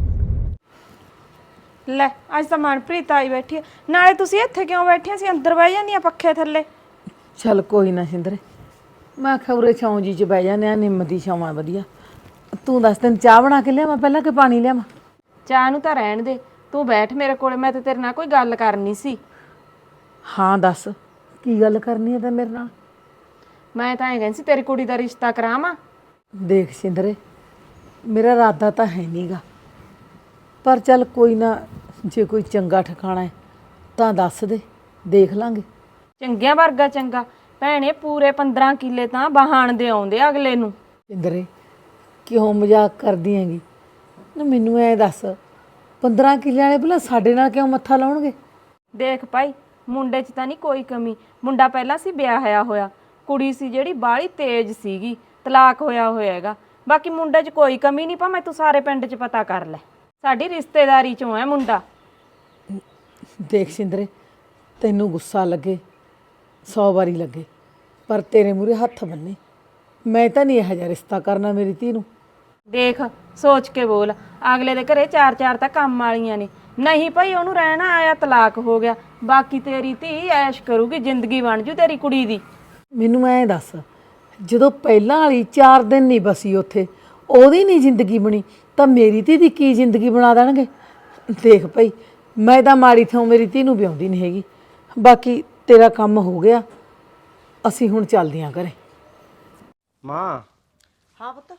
ਲੈ, ਅੱਜ ਤਾਂ ਮਨਪ੍ਰੀਤ ਆਈ ਬੈਠੀ ਹੈ। ਨਾਲੇ ਤੁਸੀਂ ਇੱਥੇ ਕਿਉਂ ਬੈਠੀਆਂ ਸੀ? ਅੰਦਰ ਬਹਿ ਜਾਂਦੀਆਂ ਪੱਖੇ ਥੱਲੇ। ਚੱਲ ਕੋਈ ਨਾ ਸਿੰਦਰੇ, ਮੈਂ ਖਬਰੇ ਛਾਂ ਜੀ ਚ ਬਹਿ ਜਾਂਦੇ ਆ, ਨਿੰਮ ਦੀ ਛਾਂ ਵਧੀਆ। ਤੂੰ ਦੱਸ, ਤੈਨੂੰ ਚਾਹ ਬਣਾ ਕੇ ਲਿਆਵਾਂ ਪਹਿਲਾਂ ਕਿ ਪਾਣੀ ਲਿਆਵਾਂ? ਚਾਹ ਨੂੰ ਤਾਂ ਰਹਿਣ ਦੇ, ਤੂੰ ਬੈਠ ਮੇਰੇ ਕੋਲੇ, ਮੈਂ ਤੇ ਤੇਰੇ ਨਾਲ ਕੋਈ ਗੱਲ ਕਰਨੀ ਸੀ। ਹਾਂ ਦੱਸ, ਕੀ ਗੱਲ ਕਰਨੀ ਹੈ ਤਾਂ ਮੇਰੇ ਨਾਲ? ਮੈਂ ਤਾਂ ਐਂ ਕਹਿੰਦੀ ਸੀ ਤੇਰੀ ਕੁੜੀ ਦਾ ਰਿਸ਼ਤਾ ਕਰਾਵਾਂ। ਦੇਖ ਸਿੰਦਰੇ, ਮੇਰਾ ਇਰਾਦਾ ਤਾਂ ਹੈ ਨਹੀਂਗਾ, ਪਰ ਚੱਲ ਕੋਈ ਨਾ, ਜੇ ਕੋਈ ਚੰਗਾ ਠਿਕਾਣਾ ਹੈ ਤਾਂ ਦੱਸ ਦੇ, ਦੇਖ ਲਾਂਗੇ। ਚੰਗਿਆਂ ਵਰਗਾ ਚੰਗਾ ਭੈਣੇ, ਪੂਰੇ ਪੰਦਰਾਂ ਕਿੱਲੇ ਤਾਂ ਬਹਾਨ ਦੇ ਆਉਂਦੇ ਅਗਲੇ ਨੂੰ। ਸਿੰਦਰੇ, ਕਿਉਂ ਮਜ਼ਾਕ ਕਰਦੀ ਹੈਗੀ? ਨਾ ਮੈਨੂੰ ਐ ਦੱਸ, ਪੰਦਰਾਂ ਕਿੱਲਿਆਂ ਵਾਲੇ ਭਲਾ ਸਾਡੇ ਨਾਲ ਕਿਉਂ ਮੱਥਾ ਲਾਉਣਗੇ? ਦੇਖ ਭਾਈ, ਮੁੰਡੇ 'ਚ ਤਾਂ ਨਹੀਂ ਕੋਈ ਕਮੀ। ਮੁੰਡਾ ਪਹਿਲਾਂ ਸੀ ਵਿਆਹਿਆ ਹੋਇਆ, ਕੁੜੀ ਸੀ ਜਿਹੜੀ ਬਾਹਲੀ ਤੇਜ਼ ਸੀਗੀ, ਤਲਾਕ ਹੋਇਆ ਹੋਇਆ ਹੈਗਾ। ਬਾਕੀ ਮੁੰਡੇ 'ਚ ਕੋਈ ਕਮੀ ਨਹੀਂ, ਭਾਵੇਂ ਤੂੰ ਸਾਰੇ ਪਿੰਡ 'ਚ ਪਤਾ ਕਰ ਲੈ, ਸਾਡੀ ਰਿਸ਼ਤੇਦਾਰੀ 'ਚੋਂ ਹੈ ਮੁੰਡਾ। ਦੇਖ ਸਿੰਦਰੇ, ਤੈਨੂੰ ਗੁੱਸਾ ਲੱਗੇ, ਸੌ ਵਾਰੀ ਲੱਗੇ, ਪਰ ਤੇਰੇ ਮੂਹਰੇ ਹੱਥ ਬੰਨੇ, ਮੈਂ ਤਾਂ ਨਹੀਂ ਇਹੋ ਜਿਹਾ ਰਿਸ਼ਤਾ ਕਰਨਾ ਮੇਰੀ ਧੀ ਨੂੰ। ਦੇਖ ਸੋਚ ਕੇ ਬੋਲ, ਅਗਲੇ ਦੇ ਘਰੇ ਚਾਰ ਚਾਰ ਤਾਂ ਕੰਮ ਵਾਲੀਆਂ ਨੇ। ਨਹੀਂ ਭਾਈ, ਉਹਨੂੰ ਰਹਿਣਾ ਆਇਆ, ਤਲਾਕ ਹੋ ਗਿਆ, ਬਾਕੀ ਤੇਰੀ ਧੀ ਐਸ਼ ਕਰੂਗੀ, ਜ਼ਿੰਦਗੀ ਬਣ ਜੂ ਤੇਰੀ ਕੁੜੀ ਦੀ। ਮੈਨੂੰ ਐਂ ਦੱਸ, ਜਦੋਂ ਪਹਿਲਾਂ ਵਾਲੀ ਚਾਰ ਦਿਨ ਨਹੀਂ ਬਸੀ ਉੱਥੇ, ਉਹਦੀ ਨਹੀਂ ਜ਼ਿੰਦਗੀ ਬਣੀ, ਤਾਂ ਮੇਰੀ ਧੀ ਦੀ ਕੀ ਜ਼ਿੰਦਗੀ ਬਣਾ ਦੇਣਗੇ? ਦੇਖ ਭਾਈ, ਮੈਂ ਤਾਂ ਮਾੜੀ ਥਾਂ ਮੇਰੀ ਧੀ ਨੂੰ ਵਿਆਉਂਦੀ ਨਹੀਂ ਹੈਗੀ। ਬਾਕੀ ਤੇਰਾ ਕੰਮ ਹੋ ਗਿਆ, ਅਸੀਂ ਹੁਣ ਚੱਲਦੇ ਹਾਂ ਘਰੇ। ਮਾਂ। ਹਾਂ ਪੁੱਤ,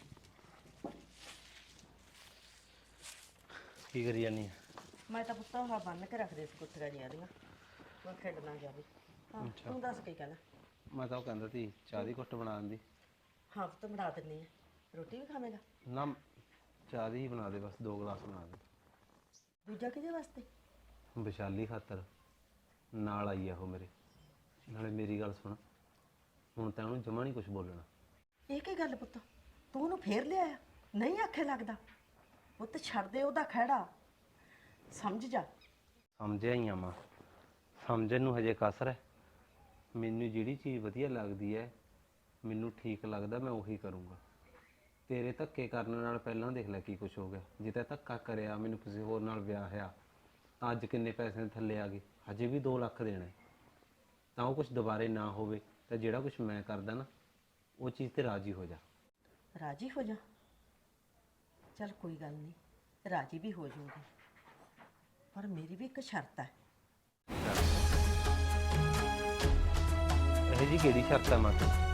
ਕੀ ਕਰੀ ਜਾਨੀ ਆ? ਮੈਂ ਤਾਂ ਪੁੱਤ ਆਹ ਬੰਨ ਕੇ ਰੱਖਦੇ ਸੀ ਕੁੱਤੀਆਂ ਜੀਆਂ ਦੀਆਂ, ਮੈਂ ਖੇਡ ਨਾ ਜਾਵੇ। ਹਾਂ, ਤੂੰ ਦੱਸ ਕੀ ਕਹਿਣਾ? ਮੈਂ ਤਾਂ ਉਹ ਕਹਿੰਦਾ ਸੀ ਚਾਹ ਦੀ ਘੁੱਟ ਬਣਾ ਦਿੰਦੀ। ਹਾਂ ਪੁੱਤ, ਬਣਾ ਦਿੰਨੀ ਆ। ਰੋਟੀ ਵੀ ਖਾਵੇਂਗਾ? ਨਾ, ਚਾਹ ਦੀ ਹੀ ਬਣਾ ਦੇ, ਬਸ ਦੋ ਗਲਾਸ ਬਣਾ ਦੇ। ਦੂਜਾ ਕਿਹਦੇ ਵਾਸਤੇ? ਵਿਸ਼ਾਲੀ ਖਾਤਰ, ਨਾਲ ਆਈ ਆ ਉਹ ਮੇਰੇ। ਨਾਲੇ ਮੇਰੀ ਗੱਲ ਸੁਣ, ਹੁਣ ਤਾਂ ਉਹਨੂੰ ਜਮਾ ਨਹੀਂ ਕੁਝ ਬੋਲਣਾ। ਇਹ ਕੀ ਗੱਲ ਪੁੱਤ, ਤੂੰ ਉਹਨੂੰ ਫੇਰ ਲਿਆਇਆ? ਨਹੀਂ ਆਖੇ ਲੱਗਦਾ ਪੁੱਤ, ਛੱਡ ਦੇ ਉਹਦਾ ਖਹਿੜਾ, ਸਮਝ ਜਾ। ਸਮਝਿਆ ਹੀ ਆ ਮਾਂ, ਸਮਝਣ ਨੂੰ ਹਜੇ ਕਸਰ ਹੈ। ਮੈਨੂੰ ਜਿਹੜੀ ਚੀਜ਼ ਵਧੀਆ ਲੱਗਦੀ ਹੈ, ਮੈਨੂੰ ਠੀਕ ਲੱਗਦਾ, ਮੈਂ ਉਹੀ ਕਰੂੰਗਾ। ਤੇਰੇ ਧੱਕੇ ਕਰਨ ਨਾਲ ਪਹਿਲਾਂ ਦੇਖ ਲੈ ਕੀ ਕੁਝ ਹੋ ਗਿਆ। ਜੇ ਤਾਂ ਧੱਕਾ ਕਰਿਆ, ਮੈਨੂੰ ਕਿਸੇ ਹੋਰ ਨਾਲ ਵਿਆਹ ਹੋਇਆ, ਤਾਂ ਅੱਜ ਕਿੰਨੇ ਪੈਸੇ ਥੱਲੇ ਆ ਗਏ, ਹਜੇ ਵੀ ਦੋ ਲੱਖ ਦੇਣਾ। ਤਾਂ ਉਹ ਕੁਝ ਦੁਬਾਰੇ ਨਾ ਹੋਵੇ, ਤਾਂ ਜਿਹੜਾ ਕੁਝ ਮੈਂ ਕਰਦਾ ਨਾ, ਉਹ ਚੀਜ਼ ਤੇ ਰਾਜੀ ਹੋ ਜਾ। ਰਾਜੀ ਹੋ ਜਾ? ਚੱਲ ਕੋਈ ਗੱਲ ਨਹੀਂ, ਰਾਜੀ ਵੀ ਹੋ ਜਾਊਗੀ, ਪਰ ਮੇਰੀ ਵੀ ਇੱਕ ਸ਼ਰਤ ਹੈ। ਇਹ ਜੀ ਕਿਹੜੀ ਸ਼ਰਤ ਹੈ ਮਾਂ?